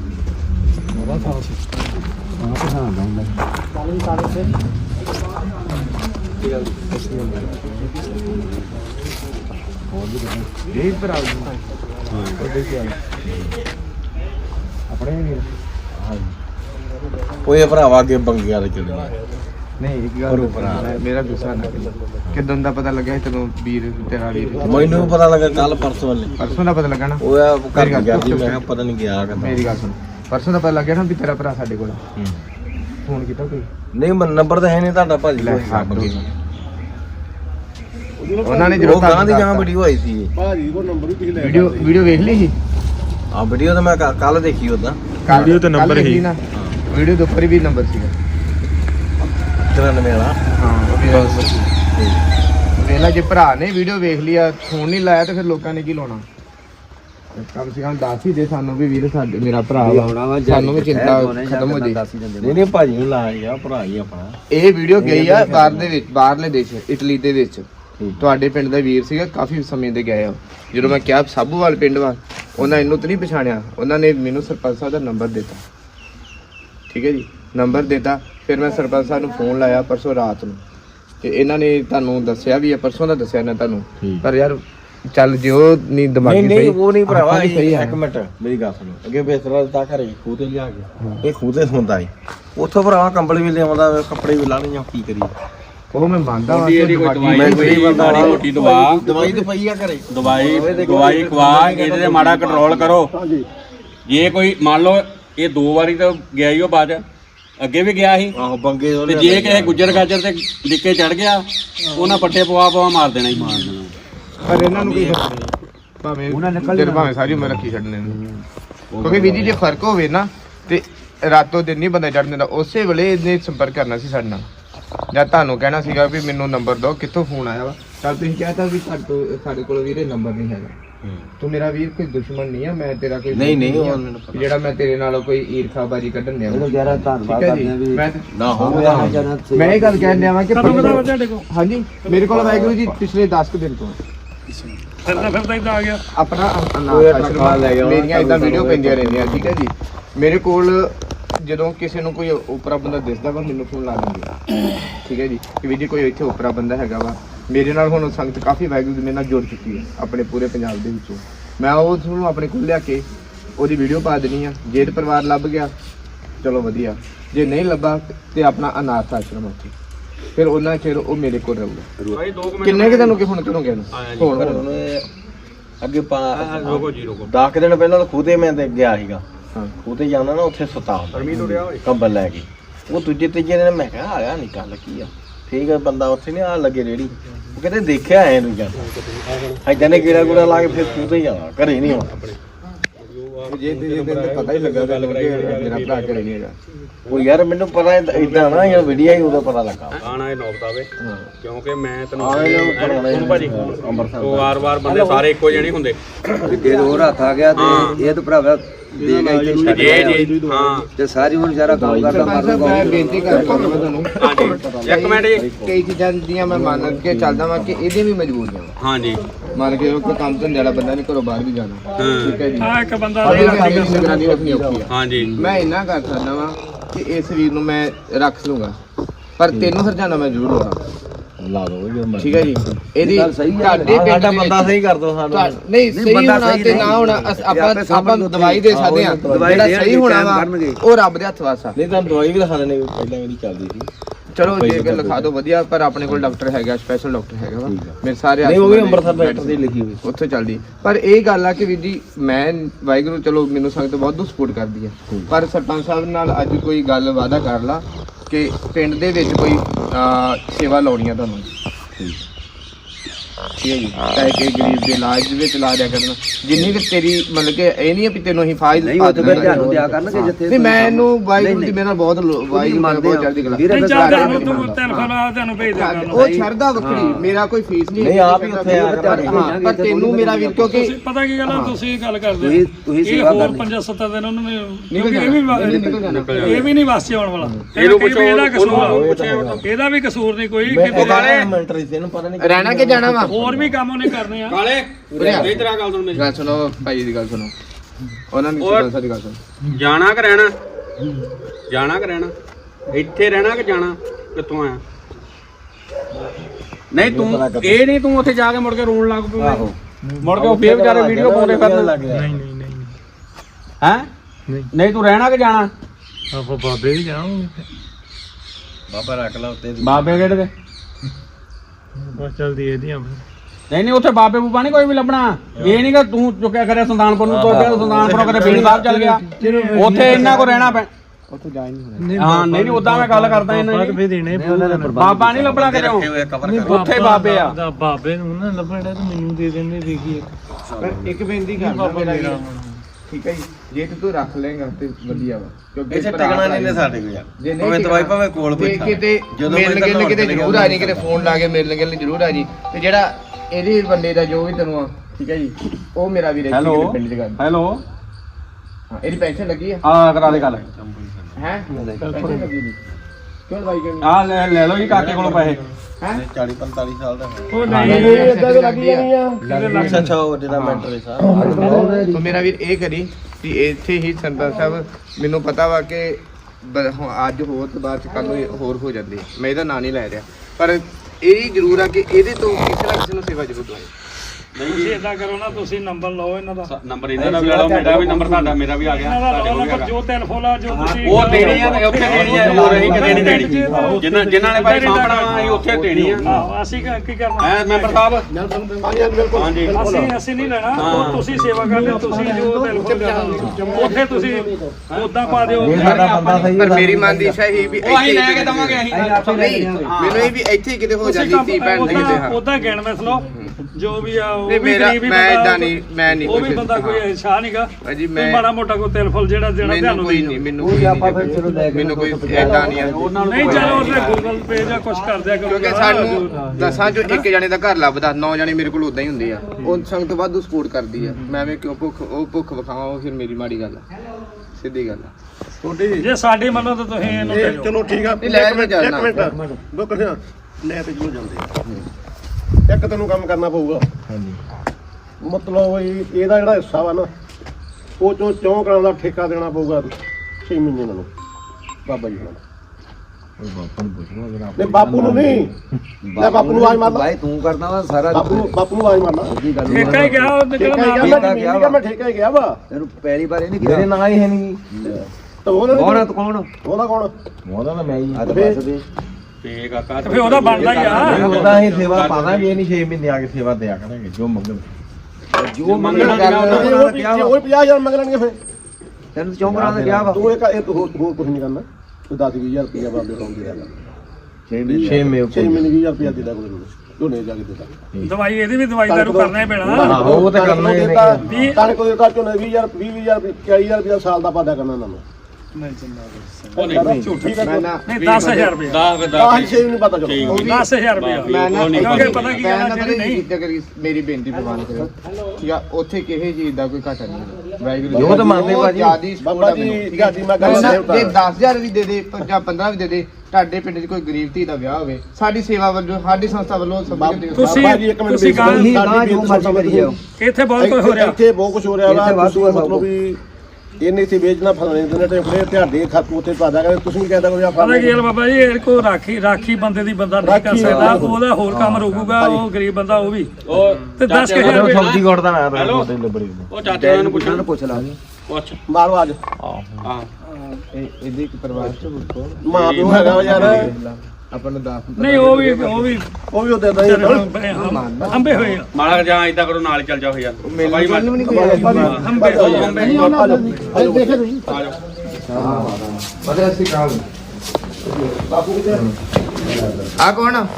Speaker 1: ਇਹ ਭਰਾ ਹਾਂ ਉਹਦੇ ਕੀ ਆਪਣੇ ਨਹੀਂ
Speaker 2: ਓਏ ਭਰਾਵਾ ਅੱਗੇ ਬੰਗਿਆ ਤੇ ਚੱਲਣਾ
Speaker 1: ਨਹੀਂ ਇੱਕ ਗੱਲ ਮੇਰਾ ਗੁੱਸਾ ਨਾ ਕਿਦੋਂ ਦਾ ਪਤਾ ਲੱਗਿਆ ਤੈਨੂੰ ਵੀਰ ਤੇਰਾ ਵੀਰ
Speaker 2: ਮੈਨੂੰ ਪਤਾ ਲੱਗਾ ਕੱਲ ਪਰਸੋਂ ਵਾਲੇ
Speaker 1: ਪਰਸੋਂ ਦਾ ਪਤਾ ਲੱਗਾ ਨਾ
Speaker 2: ਉਹ ਆ ਘਰ ਗਿਆ ਸੀ ਮੈਂ ਕਿਹਾ ਪਤਾ ਨਹੀਂ ਗਿਆ ਕਹਿੰਦਾ
Speaker 1: ਮੇਰੀ ਗੱਲ ਸੁਣ ਪਰਸੋਂ ਦਾ ਪਤਾ ਲੱਗਿਆ ਨਾ ਵੀ ਤੇਰਾ ਭਰਾ ਸਾਡੇ ਕੋਲ ਫੋਨ ਕੀਤਾ ਕੋਈ
Speaker 2: ਨਹੀਂ ਨੰਬਰ ਤਾਂ ਹੈ ਨਹੀਂ ਤੁਹਾਡਾ ਭਾਜੀ
Speaker 1: ਉਹਨਾਂ ਨੇ
Speaker 2: ਉਹ ਗਾਂ ਦੀ ਜਹਾਂ ਵੀਡੀਓ ਆਈ ਸੀ
Speaker 3: ਭਾਜੀ ਕੋ ਨੰਬਰ ਵੀ ਪਿਛਲੇ
Speaker 1: ਵੀਡੀਓ ਵੀਡੀਓ ਵੇਖ ਲਈ ਸੀ
Speaker 2: ਹਾਂ ਵੀਡੀਓ ਤਾਂ ਮੈਂ ਕੱਲ ਦੇਖੀ ਉਹਦਾ
Speaker 6: ਵੀਡੀਓ ਤੇ ਨੰਬਰ ਹੀ
Speaker 1: ਨਾ ਵੀਡੀਓ ਦੇ ਉੱਪਰ ਵੀ ਨੰਬਰ ਸੀਗਾ
Speaker 2: ਤਿਰਾਨਵੇ ਵਾਲਾ
Speaker 1: ਹਾਂ ਉਹ ਵੀ ਵੇਲਾ ਜੇ ਭਰਾ ਨੇ ਵੀਡੀਓ ਵੇਖ ਲਿਆ ਫੋਨ ਨਹੀਂ ਲਾਇਆ ਤੇ ਫਿਰ ਲੋਕਾਂ ਨੇ ਕੀ ਲਾਉਣਾ ਕਮ ਸੇ ਕਮ ਦੱਸ ਹੀ ਦੇ ਸਾਨੂੰ ਵੀ ਵੀਰ ਸਾਡੇ ਮੇਰਾ ਭਰਾ ਵਾ ਸਾਨੂੰ ਵੀ ਚਿੰਤਾ ਖਤਮ ਹੋ ਜੇ
Speaker 2: ਨਹੀਂ ਨਹੀਂ ਭਾਜੀ ਨੂੰ ਲਾਇਆ ਭਰਾ ਹੀ ਆਪਣਾ
Speaker 1: ਇਹ ਵੀਡੀਓ ਗਈ ਆ ਬਾਹਰ ਦੇ ਵਿੱਚ ਬਾਹਰਲੇ ਦੇਸ਼ ਇਟਲੀ ਦੇ ਵਿੱਚ ਤੁਹਾਡੇ ਪਿੰਡ ਦਾ ਵੀਰ ਸੀਗਾ ਕਾਫੀ ਸਮੇਂ ਦੇ ਗਏ ਆ ਜਦੋਂ ਮੈਂ ਕਿਹਾ ਸਾਬੂਵਾਲ ਪਿੰਡ ਵਾ ਉਹਨਾਂ ਇਹਨੂੰ ਤਾਂ ਨਹੀਂ ਪਛਾਣਿਆ ਉਹਨਾਂ ਨੇ ਮੈਨੂੰ ਸਰਪੰਚ ਸਾਹਿਬ ਦਾ ਨੰਬਰ ਦਿੱਤਾ ਠੀਕ ਹੈ ਜੀ ਨੰਬਰ ਦਿੱਤਾ ਫਿਰ ਮੈਂ ਸਰਪੰਚ ਸਾਹਿਬ ਨੂੰ ਫੋਨ ਲਾਇਆ ਪਰਸੋਂ ਰਾਤ ਨੂੰ ਤੇ ਇਹਨਾਂ ਨੇ ਤੁਹਾਨੂੰ ਦੱਸਿਆ ਵੀ ਆ ਪਰਸੋਂ ਦਾ ਦੱਸਿਆ ਨਾ ਤੁਹਾਨੂੰ ਪਰ ਯਾਰ ਚੱਲ ਜਿਓ ਨਹੀਂ ਦਿਮਾਗੀ
Speaker 2: ਨਹੀਂ ਨਹੀਂ ਉਹ ਨਹੀਂ ਭਰਾਵਾ
Speaker 1: ਸਹੀ ਆ
Speaker 2: ਇੱਕ ਮਿੰਟ ਮੇਰੀ ਗੱਲ ਸੁਣੋ ਅੱਗੇ ਬੇਸਰਾ ਤਾਂ ਘਰੇ ਖੂਹ ਤੇ ਲਿਆ ਕੇ ਇਹ ਖੂਹ ਤੇ ਸੌਂਦਾ ਏ ਉੱਥੋਂ ਭਰਾਵਾ ਕੰਬਲ ਵੀ ਲਿਆਉਂਦਾ ਕੱਪੜੇ ਵੀ ਲਾਣੀਆਂ ਕੀ ਕਰੀ
Speaker 1: ਉਹ ਮੈਂ ਮੰਨਦਾ
Speaker 5: ਕੋਈ ਦਵਾਈ ਕੋਈ ਬੰਦਾ ਮੋਟੀ ਦਵਾ
Speaker 2: ਦਵਾਈ ਤੇ ਪਈ ਆ ਘਰੇ
Speaker 5: ਦਵਾਈ ਦਵਾਈ ਖਵਾ ਇਹਦੇ ਤੇ ਮਾੜਾ ਕੰਟਰੋਲ ਕਰੋ ਜੇ ਕੋਈ ਮੰਨ ਲਓ ਇਹ ਦੋ ਵਾਰੀ ਤਾਂ ਗਿਆ ਹੀ ਉਹ ਬਾਅਦ ਅੱਗੇ ਵੀ ਗਿਆ ਸੀ
Speaker 2: ਆਹੋ ਬੰਗੇ
Speaker 5: ਤੇ ਜੇ ਕਿਸੇ ਗੁੱਜਰ ਗਾਜਰ ਤੇ ਡਿੱਕੇ ਚੜ ਗਿਆ ਉਹਨਾਂ ਪੱਟੇ ਪਵਾ ਪਵਾ ਮਾਰ ਦੇਣਾ ਹੀ ਮਾਰ ਦੇਣਾ
Speaker 1: ਪਰ ਇਹਨਾਂ ਨੂੰ ਕੀ ਭਾਵੇਂ ਉਹਨਾਂ ਨੇ ਕੱਲ ਭਾਵੇਂ ਸਾਰੀ ਉਮਰ ਰੱਖੀ ਛੱਡਣੇ ਨੂੰ ਕਿਉਂਕਿ ਵੀਰ ਜੀ ਜੇ ਫਰਕ ਹੋਵੇ ਨਾ ਤੇ ਰਾਤੋਂ ਦਿਨ ਨਹੀਂ ਬੰਦਾ ਚੜ੍ਹ ਦਿੰਦਾ ਉਸੇ ਵੇਲੇ ਇਹਨੇ ਸੰਪਰਕ ਕਰਨਾ ਸੀ ਸਾਡੇ ਨਾਲ ਜਾਂ ਤੁਹਾਨੂੰ ਕਹਿਣਾ ਸੀਗਾ ਵੀ ਮੈਨੂੰ ਨੰਬਰ ਦਿਓ ਕਿੱਥੋਂ ਫੋਨ ਆਇਆ ਵਾ ਚੱਲ ਤੁਸੀਂ ਕਹਿਤਾ ਵੀ ਸਾਡੇ ਸਾਡੇ ਕੋਲ ਵੀਰੇ ਨੰਬਰ ਨਹੀਂ ਹੈਗਾ ਤੂੰ ਮੇਰਾ ਵੀਰ ਕੋਈ ਦੁਸ਼ਮਣ ਨਹੀਂ ਆ, ਮੈਂ ਤੇਰਾ ਕੋਈ
Speaker 2: ਨਹੀਂ, ਨਹੀਂ,
Speaker 1: ਆ
Speaker 2: ਉਹ ਮੈਨੂੰ ਪਤਾ।
Speaker 1: ਵੀ ਜਿਹੜਾ ਮੈਂ ਤੇਰੇ ਨਾਲ ਕੋਈ ਈਰਖਾਬਾਜੀ ਕੱਢਣ ਦਿਆਂ
Speaker 7: ਇਹਨੂੰ ਜ਼ਿਆਦਾ ਧੰਨਵਾਦ
Speaker 1: ਠੀਕ ਹੈ ਜੀ।
Speaker 7: ਕਰਦੇ ਆ ਵੀ
Speaker 1: ਮੈਂ
Speaker 2: ਨਾ ਹੋ
Speaker 1: ਮੈਂ ਇਹ ਗੱਲ ਕਹਿਣ ਦਿਆਂ ਵਾਂ ਕਿ ਹਾਂਜੀ ਮੇਰੇ ਕੋਲ ਵਾਹਿਗੁਰੂ ਜੀ ਪਿਛਲੇ ਦਸ ਕੁ ਦਿਨ ਤੋਂ
Speaker 3: ਫਿਰਦਾ ਫਿਰਦਾ ਇਦਾਂ ਆ ਗਿਆ
Speaker 1: ਆਪਣਾ
Speaker 2: ਕੋਈ
Speaker 1: ਅਨਾਥ
Speaker 2: ਆਪਣਾ
Speaker 1: ਆਸ਼ਰਮ
Speaker 2: ਖਾਲ ਲੈ ਗਿਆ,
Speaker 1: ਮੇਰੀਆਂ
Speaker 2: ਉਹਨੂੰ
Speaker 1: ਇਦਾਂ ਵੀਡੀਓ
Speaker 2: ਕਰੋ।
Speaker 1: ਪੈਂਦੀਆਂ ਰਹਿੰਦੀਆਂ ਠੀਕ ਹੈ ਜੀ। ਮੇਰੇ ਕੋਲ ਜਦੋਂ ਕਿਸੇ ਨੂੰ ਕੋਈ ਉਪਰਾ ਬੰਦਾ ਦਿਸਦਾ ਵਾ ਮੈਨੂੰ ਫੋਨ ਲਾ ਦਿੰਦੇ ਠੀਕ ਹੈ ਜੀ ਕਿ ਵੀ ਜੀ ਕੋਈ ਇੱਥੇ ਉਪਰਾ ਬੰਦਾ ਹੈਗਾ ਵਾ। ਮੇਰੇ ਨਾਲ ਹੁਣ ਸੰਗਤ ਕਾਫੀ ਵਾਹਿਗੁਰੂ ਜੀ ਮੇਰੇ ਨਾਲ ਜੁੜ ਚੁੱਕੀ ਹੈ ਆਪਣੇ ਪੂਰੇ ਪੰਜਾਬ ਦੇ ਵਿੱਚੋਂ। ਮੈਂ ਉਸ ਨੂੰ ਆਪਣੇ ਕੋਲ ਲਿਆ ਕੇ ਉਹਦੀ ਵੀਡੀਓ ਪਾ ਦੇਣੀ ਆ। ਜੇ ਤੇ ਪਰਿਵਾਰ ਲੱਭ ਗਿਆ ਚਲੋ ਵਧੀਆ, ਜੇ ਨਹੀਂ ਲੱਭਾ ਤੇ ਆਪਣਾ ਅਨਾਥ ਆਸ਼ਰਮ ਉੱਥੇ ਫਿਰ ਉਹਨਾਂ ਚਿਰ ਉਹ ਮੇਰੇ ਕੋਲ ਰਹੂਗਾ।
Speaker 5: ਭਾਈ ਦੋ ਮਿੰਟ
Speaker 1: ਕਿੰਨੇ ਕਿ ਤੁਹਾਨੂੰ ਕਿ ਹੁਣ ਕਿਉਂ ਗਿਆ ਹੁਣ
Speaker 2: ਉਹਨੇ ਅੱਗੇ ਪਾ
Speaker 5: ਰੁਕੋ ਜੀ ਰੁਕੋ।
Speaker 2: ਦਸ ਕੁ ਦਿਨ ਪਹਿਲਾਂ ਤਾਂ ਖੂਤੇ ਮੈਂ ਤੇ ਗਿਆ ਸੀਗਾ।
Speaker 1: ਹਾਂ
Speaker 2: ਖੂਤੇ ਜਾਣਾ ਨਾ ਉੱਥੇ ਸੁੱਤਾ ਹੁੰਦਾ
Speaker 5: ਪਰਮੀਤ ਉੜਿਆ ਓਏ
Speaker 2: ਕੰਬਲ ਲੈ ਕੇ। ਉਹ ਦੂਜੇ ਤੀਜੇ ਦਿਨ ਮੈਂ ਕਿਹਾ ਆਇਆ ਨਹੀਂ ਗੱਲ ਕੀ ਆ। ਠੀਕ ਹੈ ਬੰਦਾ ਉੱਥੇ ਨਹੀਂ ਆ ਲੱਗੇ ਰੇੜੀ। ਉਹ ਕਹਿੰਦੇ ਦੇਖਿਆ ਐ ਨੂੰ ਜਾਂਦਾ ਐਦਾਂ ਨੇ ਕੀੜਾ ਕੂੜਾ ਲਾ ਕੇ ਫਿਰ ਖੂਤੇ ਹੀ ਜਾਣਾ, ਘਰੇ ਨਹੀਂ ਆਉਣਾ।
Speaker 1: ਜੇ ਤੇ ਜੇ ਤੇ ਪਤਾ ਹੀ ਲੱਗਾ ਕਿ ਮੇਰਾ ਭਰਾ ਘਰੇ ਨਹੀਂ ਹੈਗਾ।
Speaker 2: ਉਹ ਯਾਰ ਮੈਨੂੰ ਪਤਾ ਇਦਾਂ ਨਾ ਇਹ ਵੀਡੀਓ ਹੀ ਉਦੋਂ ਪਤਾ ਲੱਗਾ।
Speaker 5: ਆਣਾ ਇਹ ਨੌਬਤਾਵੇ ਕਿਉਂਕਿ ਮੈਂ ਤੈਨੂੰ
Speaker 2: ਆਹ ਇਹਨੂੰ ਬਣਾਉਣਾ ਹੀ
Speaker 5: ਭਾਜੀ
Speaker 2: ਅੰਮ੍ਰਿਤਸਰ
Speaker 5: ਉਹ ਵਾਰ-ਵਾਰ ਬੰਦੇ ਸਾਰੇ ਇੱਕੋ ਜਿਹੇ ਨਹੀਂ ਹੁੰਦੇ।
Speaker 7: ਜੇ ਹੋਰ ਹੱਥ ਆ ਗਿਆ ਤੇ ਇਹ ਤਾਂ ਭਰਾਵਾ ਦੇ ਗਿਆ ਇੱਥੇ ਛੱਡ
Speaker 5: ਜੇ
Speaker 7: ਗਿਆ
Speaker 5: ਜੀ ਹਾਂ
Speaker 7: ਤੇ ਸਾਰੀ ਹੁਣ ਵਿਚਾਰਾ ਕੰਮ ਕਰਦਾ
Speaker 1: ਸਰਪੰਚ ਸਾਹਿਬ ਮੈਂ ਬੇਨਤੀ ਕਰਦਾ ਹਾਂ ਤੁਹਾਨੂੰ
Speaker 5: ਹਾਂਜੀ ਇੱਕ ਮਿੰਟ ਜੀ।
Speaker 1: ਕਈ ਚੀਜ਼ਾਂ ਦੀਆਂ ਮੈਂ ਮੰਨ ਕੇ ਚੱਲਦਾ ਵਾਂ ਕਿ ਇਹਦੇ ਵੀ ਮਜਬੂਰੀਆਂ ਵਾ।
Speaker 5: ਹਾਂਜੀ
Speaker 1: ਮੰਨ ਕੇ ਕੋਈ ਕੰਮ ਧੰਦੇ ਵਾਲਾ ਬੰਦਾ ਨਹੀਂ ਘਰੋਂ ਬਾਹਰ ਵੀ ਜਾਣਾ ਠੀਕ ਹੈ ਜੀ।
Speaker 3: ਆ ਇੱਕ ਬੰਦਾ
Speaker 1: ਪਰ ਇਹ ਨਿਗਰਾਨੀ ਰੱਖਣੀ ਔਖੀ ਆ।
Speaker 5: ਹਾਂਜੀ
Speaker 1: ਮੈਂ ਇੰਨਾ ਕਰ ਸਕਦਾ ਵਾਂ ਕਿ ਇਸ ਵੀਰ ਨੂੰ ਮੈਂ ਰੱਖ ਲੂੰਗਾ ਪਰ ਤੈਨੂੰ ਹਰਜਾਨਾ ਮੈਂ ਜ਼ਰੂਰ ਹੋਣਾ
Speaker 2: ਲਾ ਦੋ
Speaker 1: ਠੀਕ ਹੈ ਜੀ। ਇਹਦੀ ਤੁਹਾਡੇ ਪਿੰਡ
Speaker 2: ਸਾਡਾ
Speaker 1: ਦੇ
Speaker 2: ਬੰਦਾ
Speaker 1: ਵਿੱਚ-
Speaker 2: ਸਹੀ ਕਰ ਦੋ ਸਾਨੂੰ।
Speaker 1: ਤੁਹਾ- ਨਹੀਂ ਸਹੀ
Speaker 7: ਬੰਦਾ
Speaker 1: ਹੋਣਾ
Speaker 7: ਸਹੀ
Speaker 1: ਤੇ
Speaker 7: ਨਹੀਂ।
Speaker 1: ਨਾ ਹੋਣਾ ਅਸ- ਆਪਾਂ
Speaker 7: ਆਪੇ
Speaker 1: ਆਪਾਂ
Speaker 7: ਸਾਂਭਣ
Speaker 1: ਦਵਾਈ ਦੇ ਸਕਦੇ ਆ।
Speaker 7: ਦਵਾਈ
Speaker 1: ਜਿਹੜਾ
Speaker 7: ਦੇਣਗੇ,
Speaker 1: ਸਹੀ ਹੋਣਾ
Speaker 7: ਟਾਈਮ
Speaker 1: ਵਾ
Speaker 7: ਕਰਨਗੇ।
Speaker 1: ਉਹ ਰੱਬ ਦੇ ਹੱਥ ਵਾਸਾ।
Speaker 2: ਨਹੀਂ ਤਾਂ ਦਵਾਈ ਵੀ ਲਿਖਾ ਦੇਣੇ ਪਹਿਲਾਂ ਮੇਰੀ ਚੱਲਦੀ ਸੀ।
Speaker 1: ਚਲੋ ਜੇ ਕਿ ਲਿਖਾ ਦਿਓ ਵਧੀਆ, ਪਰ ਆਪਣੇ ਕੋਲ ਡਾਕਟਰ ਹੈਗਾ, ਸਪੈਸ਼ਲ ਡਾਕਟਰ ਹੈਗਾ ਵਾ। ਮੇਰੇ ਸਾਰੇ
Speaker 2: ਨਹੀਂ ਉਹ ਵੀ
Speaker 1: ਆਸ-ਪਾਸ
Speaker 2: ਅੰਮ੍ਰਿਤਸਰ
Speaker 1: ਦੇ
Speaker 2: ਡਾਕਟਰ ਦੀ ਲਿਖੀ ਹੋਈ।
Speaker 1: ਉੱਥੇ ਚੱਲਦੀ। ਪਰ ਇਹ ਗੱਲ ਆ ਕਿ ਵੀਰ ਜੀ ਮੈਂ ਵਾਹਿਗੁਰੂ ਚਲੋ ਮੈਨੂੰ ਸੰਗਤ ਬਹੁਤ ਸਪੋਰਟ ਕਰਦੀ ਹੈ ਪਰ ਸਰਪੰਚ ਸਾਹਿਬ ਨਾਲ ਅੱਜ ਕੋਈ ਗੱਲ ਵਾਅਦਾ ਕਰ ਲਾ ਕਿ ਪਿੰਡ ਦੇ ਵਿੱਚ ਕੋਈ ਅਹ, ਸੇਵਾ ਲਾਉਣੀ ਆ ਤੁਹਾਨੂੰ ਠੀਕ ਹੈ ਜੀ। ਚਾਹੇ ਕਿ ਗਰੀਬ ਦੇ ਇਲਾਜ ਦੇ ਵਿੱਚ ਲਾ ਦਿਆ ਕਰਨਾ ਜਿੰਨੀ ਕਿ ਤੇਰੀ ਮਤਲਬ ਕਿ ਇਹ ਨਹੀਂ ਆ ਵੀ ਤੈਨੂੰ ਅਸੀਂ ਫਾਇਲ
Speaker 7: ਨਹੀਂ ਉਹ ਤੇ ਫਿਰ ਤੁਹਾਨੂੰ ਦਿਆ ਕਰਨਗੇ ਜਿੱਥੇ
Speaker 1: ਨਹੀਂ ਮੈਂ ਇਹਨੂੰ ਵਾਹਿਗੁਰੂ ਦੀ ਮੇਰੇ ਨਾਲ ਬਹੁਤ ਲੋ- ਵਾਹਿਗੁਰੂ ਨਾਲ ਬਹੁਤ ਚੜ੍ਹਦੀ ਕਲਾ
Speaker 7: ਵੀਰੇ
Speaker 3: ਨਹੀਂ
Speaker 7: ਫਿਰ
Speaker 3: ਚੱਲਦਾ
Speaker 7: ਸਾਰੇ
Speaker 3: ਤੂੰ ਟੈਲੀਫੋਨ ਆ ਤੁਹਾਨੂੰ ਭੇਜ ਦਿਆ ਕਰਨਾ।
Speaker 1: ਉਹ ਛੱਡਦਾ ਵੱਖਰੀ ਮੇਰਾ ਕੋਈ ਫੀਸ ਨਹੀਂ
Speaker 2: ਨਹੀਂ, ਆਪ ਹੀ ਉੱਥੇ ਆ ਕੇ
Speaker 1: ਪਰ ਹਾਂ ਪਰ ਤੈਨੂੰ ਮੇਰਾ ਵੀਰ ਕਿਉਂਕਿ
Speaker 3: ਤੁਸੀਂ ਪਤਾ ਕੀ ਗੱਲ ਆ ਤੁਸੀਂ ਗੱਲ ਕਰਦੇ
Speaker 7: ਤੁਸੀਂ ਤੁਸੀਂ
Speaker 3: ਇਹ
Speaker 7: ਸੇਵਾ
Speaker 3: ਹੋਰ
Speaker 7: ਕਰਨੀ
Speaker 3: ਪੰਜਾਂ ਸੱਤਾਂ ਦਿਨ ਉਹਨਾਂ ਨੇ
Speaker 1: ਨਿਕਲ
Speaker 3: ਕਿਉਂਕਿ ਇਹ ਵੀ
Speaker 1: ਜਾਣਾ ਨਿਕਲ ਜਾਣਾ
Speaker 3: ਇਹ ਵੀ ਨਹੀਂ ਵਾਸਤੇ ਆਉਣ ਵਾਲਾ
Speaker 5: ਇਹਨੂੰ
Speaker 3: ਕਈ ਵੀ
Speaker 5: ਪੁੱਛੋ,
Speaker 3: ਇਹਦਾ ਕਸੂਰ ਆ।
Speaker 5: ਉਹਨੂੰ ਪੁੱਛੋ।
Speaker 3: ਇਹਦਾ ਵੀ ਕਸੂਰ ਨਹੀਂ ਕੋਈ
Speaker 2: ਮੈਂ
Speaker 3: ਕਿ
Speaker 2: ਕਾਲੇ ਮਿਲਟਰੀ ਸੀ ਇਹਨੂੰ ਪਤਾ ਨਹੀਂ
Speaker 1: ਰਹਿਣਾ ਕਿ ਜਾਣਾ ਵਾ
Speaker 3: ਹੋਰ ਵੀ ਕੰਮ ਉਹਨੇ ਕਰਨੇ ਆ।
Speaker 5: ਕਾਲੇ
Speaker 1: ਉਰੇ ਆ।
Speaker 5: ਇਧਰ ਆ ਗੱਲ ਸੁਣ ਮੇਰੀ।
Speaker 1: ਗੱਲ ਸੁਣੋ ਭਾਈ ਦੀ ਗੱਲ ਸੁਣੋ ਉਹਨਾਂ ਨੇ ਸਰਪੰਚ ਸਾਹਿਬ ਦੀ ਗੱਲ ਸੁਣੋ
Speaker 5: ਜਾਣਾ ਕਿ ਰਹਿਣਾ ਜਾਣਾ ਕਿ ਰਹਿਣਾ ਇੱਥੇ ਰਹਿਣਾ ਕਿ ਜਾਣਾ ਕਿੱਥੋਂ ਆਇਆ ਨਹੀਂ ਤੂੰ ਇਹ ਨਹੀਂ ਤੂੰ ਉੱਥੇ ਜਾ ਕੇ ਮੁੜ ਕੇ ਰੋਣ ਲੱਗ ਪਵੇ ਮੁੜ ਕੇ ਉਹ ਫੇਰ ਵਿਚਾਰੇ ਵੀਡੀਓ ਪਾਉਂਦੇ ਫਿਰਨ
Speaker 3: ਨਹੀਂ ਨਹੀਂ ਨਹੀਂ
Speaker 5: ਹੈ ਨਹੀਂ ਤੂੰ ਰਹਿਣਾ ਕਿ ਜਾਣਾ
Speaker 3: ਆਪਾਂ ਬਾਬੇ ਵੀ ਜਾਵਾਂਗੇ
Speaker 2: ਬਾਬਾ ਰੱਖ ਲਾ ਉੱਤੇ
Speaker 5: ਬਾਬੇ ਕਿਹੜੇ ਦੇ
Speaker 3: ਬਸ ਚਲਦੀ ਇਹਦੀਆਂ
Speaker 5: ਨਹੀਂ ਨਹੀਂ ਉੱਥੇ ਬਾਬੇ ਬੂਬਾ ਨਹੀਂ ਕੋਈ ਵੀ ਲੱਭਣਾ ਇਹ ਨਹੀਂ ਕਿ ਤੂੰ ਚੁੱਕਿਆ ਕਰਿਆ ਸੰਦਾਨਪੁਰ ਨੂੰ ਤੁਰ ਗਿਆ ਸੰਦਾਨਪੁਰੋਂ ਕਦੇ ਬੀੜ ਸਾਹਿਬ ਚੱਲ ਗਿਆ ਉੱਥੇ ਇਹਨਾਂ ਕੋ ਰਹਿਣਾ ਪੈ
Speaker 1: ਉੱਥੇ ਜਾ ਹੀ ਨਹੀਂ ਹੋਣਾ
Speaker 5: ਹਾਂ ਨਹੀਂ ਨਹੀਂ ਉਦਾਂ ਮੈਂ ਗੱਲ ਕਰਦਾ ਇਹਨਾਂ ਦੀ
Speaker 3: ਦੇਣੇ
Speaker 5: ਬਾਬਾ ਨਹੀਂ ਲੱਭਣਾ ਕਿਤੇ ਉੱਥੇ ਬਾਬੇ ਆ
Speaker 3: ਬਾਬੇ ਨੂੰ ਨਾ ਲੱਭਣਾ ਤੇ ਮੈਨੂੰ ਦੇ ਦਿੰਦੇ ਵੇਖੀ ਇੱਕ
Speaker 1: ਪਰ ਇੱਕ ਬੇਨਤੀ ਕਰਦਾ ਮੇਰਾ ਵੀਰ, ਠੀਕ ਹੈ ਜੀ ਜੇ ਤੇ ਤੂੰ ਰੱਖ ਲੇਗਾ ਤੇ ਵਧੀਆ ਵਾ ਕਿਉਂਕਿ
Speaker 2: ਇੱਥੇ ਟਿਕਣਾ ਨਹੀਂ ਨੇ ਸਾਡੇ ਕੋਲ ਯਾਰ
Speaker 1: ਜੇ ਨਹੀਂ
Speaker 2: ਭਾਵੇਂ ਦਵਾਈ ਭਾਵੇਂ ਕੋਲ
Speaker 1: ਤੇ
Speaker 2: ਬੈਠਾ
Speaker 1: ਕਿਤੇ
Speaker 2: ਜਦੋਂ
Speaker 1: ਮਿਲਣ
Speaker 2: ਮੈਂ
Speaker 1: ਗਿਲਣ ਕਿਤੇ
Speaker 2: ਤਾਂ
Speaker 1: ਜ਼ਰੂਰ ਆ ਜੀ ਕਿਤੇ ਫੋਨ ਲਾ ਕੇ ਮਿਲਣ ਗਿਲਣ ਜ਼ਰੂਰ ਆ ਜੀ ਤੇ ਜਿਹੜਾ ਇਹਦੇ ਬੰਦੇ ਦਾ ਜੋ ਵੀ ਤੈਨੂੰ ਆ ਠੀਕ ਹੈ ਜੀ ਉਹ ਮੇਰਾ ਵੀਰ ਇੱਥੇ
Speaker 5: ਹੈਲੋ
Speaker 1: ਕਿਤੇ ਪਿੰਡ ਚ ਕਰ
Speaker 5: ਹੈਲੋ
Speaker 1: ਹਾਂ ਇਹਦੀ ਪੈਨਸ਼ਨ ਲੱਗੀ ਆ
Speaker 5: ਆ ਕਰਾ ਦੇ ਗੱਲ
Speaker 1: ਹੈ ਪੈਨਸ਼ਨ ਲੱਗੀ ਜੀ ਕਿਉਂ ਦਵਾਈ ਕਿਉਂ
Speaker 5: ਆ ਲੈ ਲੈ ਲਓ ਜੀ ਕਾਕੇ ਕੋਲੋਂ ਪੈਸੇ
Speaker 1: ਹੈ
Speaker 2: ਚਾਲੀ ਪੰਤਾਲੀ ਸਾਲ ਦਾ ਹੈ
Speaker 3: ਉਹ
Speaker 1: ਨਹੀਂ,
Speaker 3: ਨਹੀਂ
Speaker 1: ਨਹੀਂ, ਏਦਾਂ ਤਾਂ ਲੱਗੀ ਜਾਣੀ
Speaker 3: ਆ
Speaker 2: ਅੱਛਾ ਅੱਛਾ ਉਹ ਜਿਹੜਾ ਮੈਂਟਰੀ ਸਾਹਿਬ
Speaker 1: ਤੋ ਮੇਰਾ ਵੀਰ ਇਹ ਕਰੀ ਕਿ ਇੱਥੇ ਹੀ ਸੰਤਾ ਸਾਹਿਬ ਮੈਨੂੰ ਪਤਾ ਵਾ ਕਿ ਬ- ਹੁਣ ਅੱਜ ਹੋਰ ਤੇ ਬਾਅਦ ਚ ਕੱਲ ਨੂੰ ਇਹ ਹੋਰ ਹੋ ਜਾਂਦੀ ਹੈ। ਮੈਂ ਇਹਦਾ ਨਾਂ ਨਹੀਂ ਲੈ ਰਿਹਾ ਪਰ ਇਹ ਜ਼ਰੂਰ ਆ ਕਿ ਇਹਦੇ ਤੋਂ ਕਿਸੇ ਨਾ ਕਿਸੇ ਨੂੰ ਸੇਵਾ ਜ਼ਰੂਰ ਦਵਾਈ
Speaker 3: ਤੁਸੀਂ ਏਦਾਂ ਕਰੋ ਨਾ ਤੁਸੀਂ ਨੰਬਰ ਲਓ ਇਹਨਾਂ ਦਾ
Speaker 5: ਨੰਬਰ ਇਹਨਾਂ ਦਾ ਵੀ ਲੈ ਲਓ ਮੇਰਾ ਵੀ ਨੰਬਰ ਤੁਹਾਡਾ ਮੇਰਾ ਵੀ ਆ ਗਿਆ
Speaker 3: ਇਹਨਾਂ ਦਾ
Speaker 5: ਤੁਹਾਡੇ
Speaker 3: ਲਓ
Speaker 5: ਕੋਲ ਵੀ
Speaker 3: ਨੰਬਰ
Speaker 5: ਹੈਗਾ
Speaker 3: ਜੋ ਟੈਲੀਫੋਨ ਆ ਜੋ ਤੁਸੀਂ
Speaker 5: ਉਹ ਦੇਣੀ ਆ ਤੇ ਉੱਥੇ ਦੇਣੀ ਆ ਹੋਰ ਅਸੀਂ ਕਿਤੇ ਨਹੀਂ ਦੇਣੀ ਜਿਨ੍ਹਾਂ ਜਿਨ੍ਹਾਂ ਨੇ ਭਾਈ ਸਾਂਭਣਾ ਵਾ, ਅਸੀਂ ਉੱਥੇ ਦੇਣੀ ਆ
Speaker 3: ਆਹੋ, ਅਸੀਂ ਕ- ਕੀ ਕਰਨਾ
Speaker 5: ਐ ਮੈਂਬਰ ਸਾਹਿਬ ਹਾਂਜੀ
Speaker 3: ਅਸੀਂ ਅਸੀਂ ਨਹੀਂ ਲੈਣਾ ਉਹ ਤੁਸੀਂ ਸੇਵਾ ਕਰਦੇ ਹੋ, ਤੁਸੀਂ ਜੋ ਟੈਲੀਫੋਨ ਕਰਨਾ ਉੱਥੇ ਤੁਸੀਂ ਉਦਾਂ ਪਾ ਦਿਓ
Speaker 2: ਸਾਡਾ ਬੰਦਾ ਸਹੀ
Speaker 1: ਪਰ ਮੇਰੀ ਮਨ ਦੀ ਇੱਛਾ ਹੀ ਵੀ
Speaker 5: ਉਹ ਅਸੀਂ ਲੈ ਕੇ
Speaker 1: ਕਿਤੇ-
Speaker 5: ਦਵਾਂਗੇ ਅਸੀਂ
Speaker 1: ਨਹੀਂ ਮੈਨੂੰ ਇਹ ਵੀ ਇੱਥੇ ਹੀ ਕਿਤੇ ਹੋ
Speaker 3: ਤੁਸੀਂ
Speaker 1: ਜਾਂਦੀ ਤੀ ਭੈਣ ਦੇ ਕਿਤੇ ਹਾਂ
Speaker 3: ਉਦਾਂ ਗਿਣ ਮਿਸ ਲਓ ਜੋ ਵੀ ਆ
Speaker 8: ਉਹ
Speaker 1: ਨਹੀਂ
Speaker 8: ਵੀ
Speaker 1: ਮੇਰਾ
Speaker 8: ਗਰੀਬ ਹੀ
Speaker 1: ਮੈਂ
Speaker 8: ਬੰਦਾ,
Speaker 1: ਇਦਾਂ ਨਹੀਂ ਮੈਂ ਨਹੀਂ
Speaker 8: ਉਹ ਵੀ
Speaker 1: ਕੁਛ-
Speaker 8: ਬੰਦਾ ਕੋਈ
Speaker 1: ਹਾਂ।
Speaker 8: ਸ਼ਾਹ ਨਹੀਂਗਾ
Speaker 1: ਭਾਜੀ
Speaker 8: ਕੋਈ
Speaker 1: ਮੈਂ
Speaker 8: ਮਾੜਾ ਮੋਟਾ ਕੋਈ ਤਿਲ ਫੁਲ ਜਿਹੜਾ ਜਿਹੜਾ
Speaker 1: ਮੈਨੂੰ
Speaker 8: ਤੁਹਾਨੂੰ
Speaker 1: ਕੋਈ
Speaker 8: ਨਹੀਂ
Speaker 1: ਨਹੀਂ ਮੈਨੂੰ
Speaker 7: ਉਹ
Speaker 1: ਕੋਈ
Speaker 7: ਆਪਾਂ
Speaker 1: ਨਹੀਂ
Speaker 7: ਫਿਰ ਚਲੋ ਲੈ ਕੇ
Speaker 1: ਮੈਨੂੰ ਕੋਈ
Speaker 7: ਉਹਨਾਂ
Speaker 1: ਐਡਾ ਨਹੀਂ ਆ
Speaker 8: ਨਹੀਂ ਚਲੋ ਉਹਨੇ ਗੂਗਲ ਪੇ ਜਾਂ ਕੁਝ ਕਰ ਦਿਆ ਕਰੋ
Speaker 1: ਕਿਉਂਕਿ ਸਾਨੂੰ ਦਸਾਂ ਚੋਂ ਇੱਕ ਜਣੇ ਦਾ ਘਰ ਲੱਭਦਾ ਨੌ ਜਣੇ ਮੇਰੇ ਕੋਲ ਉਦਾਂ ਹੀ ਹੁੰਦੇ ਆ ਉਹ ਸੰਗ ਤੋਂ ਵੱਧ ਸਪੋਰਟ ਕਰਦੀ ਆ ਮੈਂ ਵੀ ਕਿਉਂ ਭੁੱਖ ਉਹ ਭੁੱਖ ਵਿਖਾਵਾਂ ਉਹ ਫਿਰ ਮੇਰੀ ਮਾੜੀ ਗੱਲ ਆ ਸਿੱਧੀ ਗੱਲ ਆ
Speaker 8: ਜੇ ਸਾਡੇ ਮੰਨੋ ਤਾਂ ਤੁਸੀਂ ਇਹਨੂੰ ਦੇ ਦਿਓ।
Speaker 2: ਚਲੋ ਠੀਕ ਆ
Speaker 1: ਨਹੀਂ ਲੈ ਕੇ ਜਾਣਾ
Speaker 2: ਦੋ ਕਰਿਆ ਲੈ ਤੇ ਚਲੋ ਜਾਂਦੇ ਆ। ਇੱਕ ਤੈਨੂੰ ਕੰਮ ਕਰਨਾ ਪਊਗਾ ਹਾਂਜੀ ਮਤਲਬ ਇਹ- ਇਹਦਾ ਜਿਹੜਾ ਹਿੱਸਾ ਵਾ ਨਾ ਉਹ ਚੋਂ ਚੌਂ ਕਰਾਂ ਦਾ ਠੇਕਾ ਦੇਣਾ ਪਊਗਾ ਛੇ ਮਹੀਨੇ ਨੂੰ ਬਾਬਾ ਜੀ ਨੂੰ ਨਹੀਂ ਬਾਪੂ ਨੂੰ ਨਹੀਂ ਲੈ ਬਾਪੂ ਨੂੰ ਆਵਾਜ਼ ਮਾਰ ਲਾ
Speaker 7: ਭਾਈ ਤੂੰ ਕਰਦਾ ਵਾ ਸਾਰਾ
Speaker 2: ਬਾਪੂ ਨੂੰ ਬਾਪੂ ਨੂੰ ਆਵਾਜ਼ ਮਾਰ ਲਾ
Speaker 7: ਜੀ ਗੱਲ
Speaker 8: ਠੇਕਾ ਹੀ ਗਿਆ ਉਹ ਨਿਕਲ
Speaker 2: ਠੇਕਾ ਹੀ
Speaker 8: ਨਾਲ
Speaker 2: ਗਿਆ
Speaker 7: ਠੇਕਾ
Speaker 2: ਮੈਂ
Speaker 7: ਗਿਆ
Speaker 2: ਜ਼ਮੀਨ ਮੈਂ ਠੇਕਾ ਹੀ ਗਿਆ ਵਾ
Speaker 7: ਤੈਨੂੰ ਪਹਿਲੀ ਵਾਰ ਇਹ ਨਹੀਂ
Speaker 2: ਮੇਰੇ
Speaker 7: ਕਿਹਾ
Speaker 2: ਨਾਂ ਹੀ ਹੈ ਨਹੀਂ ਤਾਂ ਉਹਦਾ
Speaker 7: ਕੌਣ ਆ ਤੂੰ ਕੌਣ
Speaker 2: ਉਹਦਾ ਕੌਣ
Speaker 9: ਉਹਦਾ ਨਾ ਮੈਂ ਹੀ
Speaker 7: ਆ ਤਾਂ ਬਸ ਦੇ
Speaker 5: ਤੇ ਕਾਕਾ
Speaker 8: ਤੇ ਫਿਰ ਉਹਦਾ ਬਣਦਾ ਹੀ ਆ
Speaker 9: ਉਹਦਾ ਹੀ ਸੇਵਾ ਪਾਵਾਂਗੇ ਇਹ ਨਹੀਂ ਛੇ ਮਹੀਨੇ ਆ ਕੇ ਸੇਵਾ ਦਿਆ ਕਰਾਂਗੇ ਜੋ ਮੰਗਣ
Speaker 7: ਜੋ ਮੰਗਣਾ ਕਰ
Speaker 2: ਉਹ ਪੰਜਾਹ ਹਜ਼ਾਰ ਮੰਗਣਗੇ ਫਿਰ
Speaker 7: ਤੈਨੂੰ ਚੌਂਕਰਾਂ ਦਾ ਕਿਹਾ ਵਾ
Speaker 2: ਤੂੰ ਇੱਕ ਇਹ ਹੋਰ ਹੋਰ ਕੁਝ ਨਹੀਂ ਕਰਨਾ ਤੂੰ ਦਸ ਵੀਹ ਹਜ਼ਾਰ ਰੁਪਇਆ ਬਾਬੇ ਕੋਲ ਦੇ ਦੇਣਾ
Speaker 9: ਛੇ ਮਹੀਨੇ
Speaker 2: ਛੇ ਮਹੀਨੇ ਵੀਹ ਹਜ਼ਾਰ ਰੁਪਇਆ ਦੇ ਦੇ ਕੋਲ ਝੋਨੇ ਜਾ ਕੇ ਦੇ ਦੇ
Speaker 8: ਦਵਾਈ ਇਹਦੀ ਵੀ ਦਵਾਈ ਦਾਰੂ ਕਰਨਾ ਹੀ ਪੈਣਾ
Speaker 9: ਆਹੋ ਉਹ ਤਾਂ ਕਰਨਾ ਹੀ ਨਹੀਂ
Speaker 2: ਤਾਂ ਕੋਈ ਦਿੱਤਾ ਝੋਨੇ ਵੀਹ ਹਜ਼ਾਰ ਵੀਹ ਹਜ਼ਾਰ ਚਾਲੀ ਹਜ਼ਾਰ ਰੁਪਇਆ ਸਾਲ ਦਾ ਵਾਅਦਾ ਕਰਨਾ ਇਹਨਾਂ ਨੂੰ
Speaker 5: ਉਹ ਨਹੀਂ
Speaker 2: ਝੂਠੀ ਕਰ
Speaker 1: ਮੈਂ ਨਾ
Speaker 8: ਨਹੀਂ ਦਸ ਹਜ਼ਾਰ ਰੁਪਏ
Speaker 5: ਦਸ
Speaker 2: ਤਾਂ ਛੇ ਨਹੀਂ ਪਤਾ ਚਲੋ
Speaker 8: ਦਸ ਹਜ਼ਾਰ ਰੁਪਏ
Speaker 1: ਮੈਂ ਨਾ
Speaker 8: ਕਿਉਂਕਿ ਪਤਾ ਕੀ
Speaker 1: ਮੈਂ
Speaker 8: ਗੱਲ
Speaker 1: ਨਾ
Speaker 8: ਆ,
Speaker 1: ਪਤਾ
Speaker 8: ਜਿਹੜੀ
Speaker 1: ਕੀ
Speaker 8: ਨਹੀਂ
Speaker 1: ਕੀਤਾ ਕਰੀ ਮੇਰੀ ਬੇਨਤੀ ਪ੍ਰਵਾਨ ਕਰਿਓ ਠੀਕ ਆ ਉੱਥੇ ਕਿਸੇ ਚੀਜ਼ ਦਾ ਕੋਈ ਘਾਟਾ ਨਹੀਂ ਵਾਹਿਗੁਰੂ
Speaker 9: ਉਹ ਤਾਂ ਮੰਨਦੇ ਭਾਜੀ।
Speaker 1: ਜਿਆਦੀ
Speaker 2: ਬਾਬਾ ਜੀ ਗਾਦੀ ਮੈਂ ਗੱਲ
Speaker 1: ਜੇ
Speaker 2: ਨਹੀਂ
Speaker 1: ਦਸ ਹਜ਼ਾਰ ਵੀ ਦੇ ਦੇ ਜਾਂ ਪੰਦਰਾਂ ਵੀ ਦੇ ਦੇ ਤੁਹਾਡੇ ਪਿੰਡ 'ਚ ਕੋਈ ਗਰੀਬ ਧੀ ਦਾ ਵਿਆਹ ਹੋਵੇ ਸਾਡੀ ਸੇਵਾ ਵੱਲੋਂ ਸਾਡੀ ਸੰਸਥਾ ਵੱਲੋਂ ਸਭ ਕੁਝ ਦਿਓ।
Speaker 8: ਤੁਸੀਂ
Speaker 2: ਬਾਬਾ ਜੀ ਇੱਕ ਮਿੰਟ
Speaker 8: ਤੁਸੀਂ ਗੱਲ
Speaker 7: ਹੀ ਗਾਂ ਜੋ ਮਰਜ਼ੀ ਕਰੀ ਜਾਓ
Speaker 8: ਇੱਥੇ ਬਹੁਤ ਕੁਝ ਹੋ ਰਿਹਾ
Speaker 2: ਇੱਥੇ ਬਹੁਤ ਕੁਝ ਹੋ ਰਿਹਾ ਵਾ
Speaker 7: ਇੱਥੇ ਵਾਧੂ ਆ ਸਭ
Speaker 2: ਮਤਲਬ ਵੀ ਇਹਨੇ ਇੱਥੇ ਵੇਚਣਾ ਫਲਾਣੇ ਦਿਨ ਤੇ ਫਲੇ ਤੁਹਾਡੇ ਖਾਤੂ ਉੱਥੇ ਪਾਦਾ ਕਰੇ ਤੁਸੀਂ ਕਹਿੰਦਾ ਕੋਈ ਆ
Speaker 8: ਪਤਾ ਕੀ ਗੱਲ ਬਾਬਾ ਜੀ ਇਹ ਕੋ ਰਾਖੀ ਰਾਖੀ ਬੰਦੇ ਦੀ ਬੰਦਾ ਨਹੀਂ ਕਰ
Speaker 2: ਰਾਖੀ,
Speaker 8: ਸਕਦਾ
Speaker 2: ਆਹੋ।
Speaker 8: ਉਹਦਾ ਹੋਰ ਕੰਮ ਰੋਕੂਗਾ ਉਹ ਗਰੀਬ ਬੰਦਾ ਉਹ ਵੀ
Speaker 5: ਉਹ
Speaker 8: ਤੇ ਦਸ
Speaker 5: ਚਾਚੇ
Speaker 8: ਹਜ਼ਾਰ
Speaker 5: ਨੂੰ-
Speaker 9: ਸਬਜ਼ੀ ਕੋਟ ਦਾ ਨਾ ਤਾਂ
Speaker 5: ਹੈਲੋ।
Speaker 9: ਕੋਟੇ ਲੱਭੜੀ
Speaker 5: ਉਹ ਚਾਚੇ ਨੂੰ ਪੁੱਛਣ
Speaker 7: ਨੂੰ ਪੁੱਛ ਲਾ
Speaker 5: ਪੁੱਛ
Speaker 2: ਮਾਰੋ ਅੱਜ
Speaker 5: ਹਾਂ
Speaker 1: ਇਹ ਇਹਦੇ ਇੱਕ ਪਰਿਵਾਰ 'ਚ ਬੱਚੋ
Speaker 2: ਮਾਂ ਪਿਓ ਹੈਗਾ ਵਾ ਯਾਰ
Speaker 1: ਆਪਾਂ ਨੂੰ ਦੱਸ
Speaker 8: ਨਹੀਂ ਉਹ ਵੀ ਉਹ ਵੀ
Speaker 2: ਉਹ ਵੀ ਉਹਦੇ ਦਾ ਹੀ
Speaker 8: ਵਿਚਾਰੇ ਅੰਬੇ ਹੋਏ ਆ
Speaker 5: ਮਾੜਾ ਜਾਂ ਇਦਾਂ ਕਰੋ ਨਾਲ ਚੱਲ ਜਾਓ ਯਾਰ
Speaker 1: ਮੈਨੂੰ
Speaker 5: ਬਾਈ
Speaker 1: ਮੈਨੂੰ ਵੀ ਨਹੀਂ
Speaker 5: ਮਾਰ-
Speaker 1: ਕੋਈ
Speaker 8: ਅੰਬੇ ਹੋਏ ਆ
Speaker 5: ਅੰਬੇ
Speaker 2: ਆ ਜਾਓ ਦੇਖੇ ਤੁਸੀਂ
Speaker 5: ਆ ਜਾਓ
Speaker 1: ਮਦਰ ਅਸੀਂ ਕਾਲ
Speaker 2: ਬਾਪੂ ਕਿੱਥੇ
Speaker 1: ਆ ਕੌਣ ਆ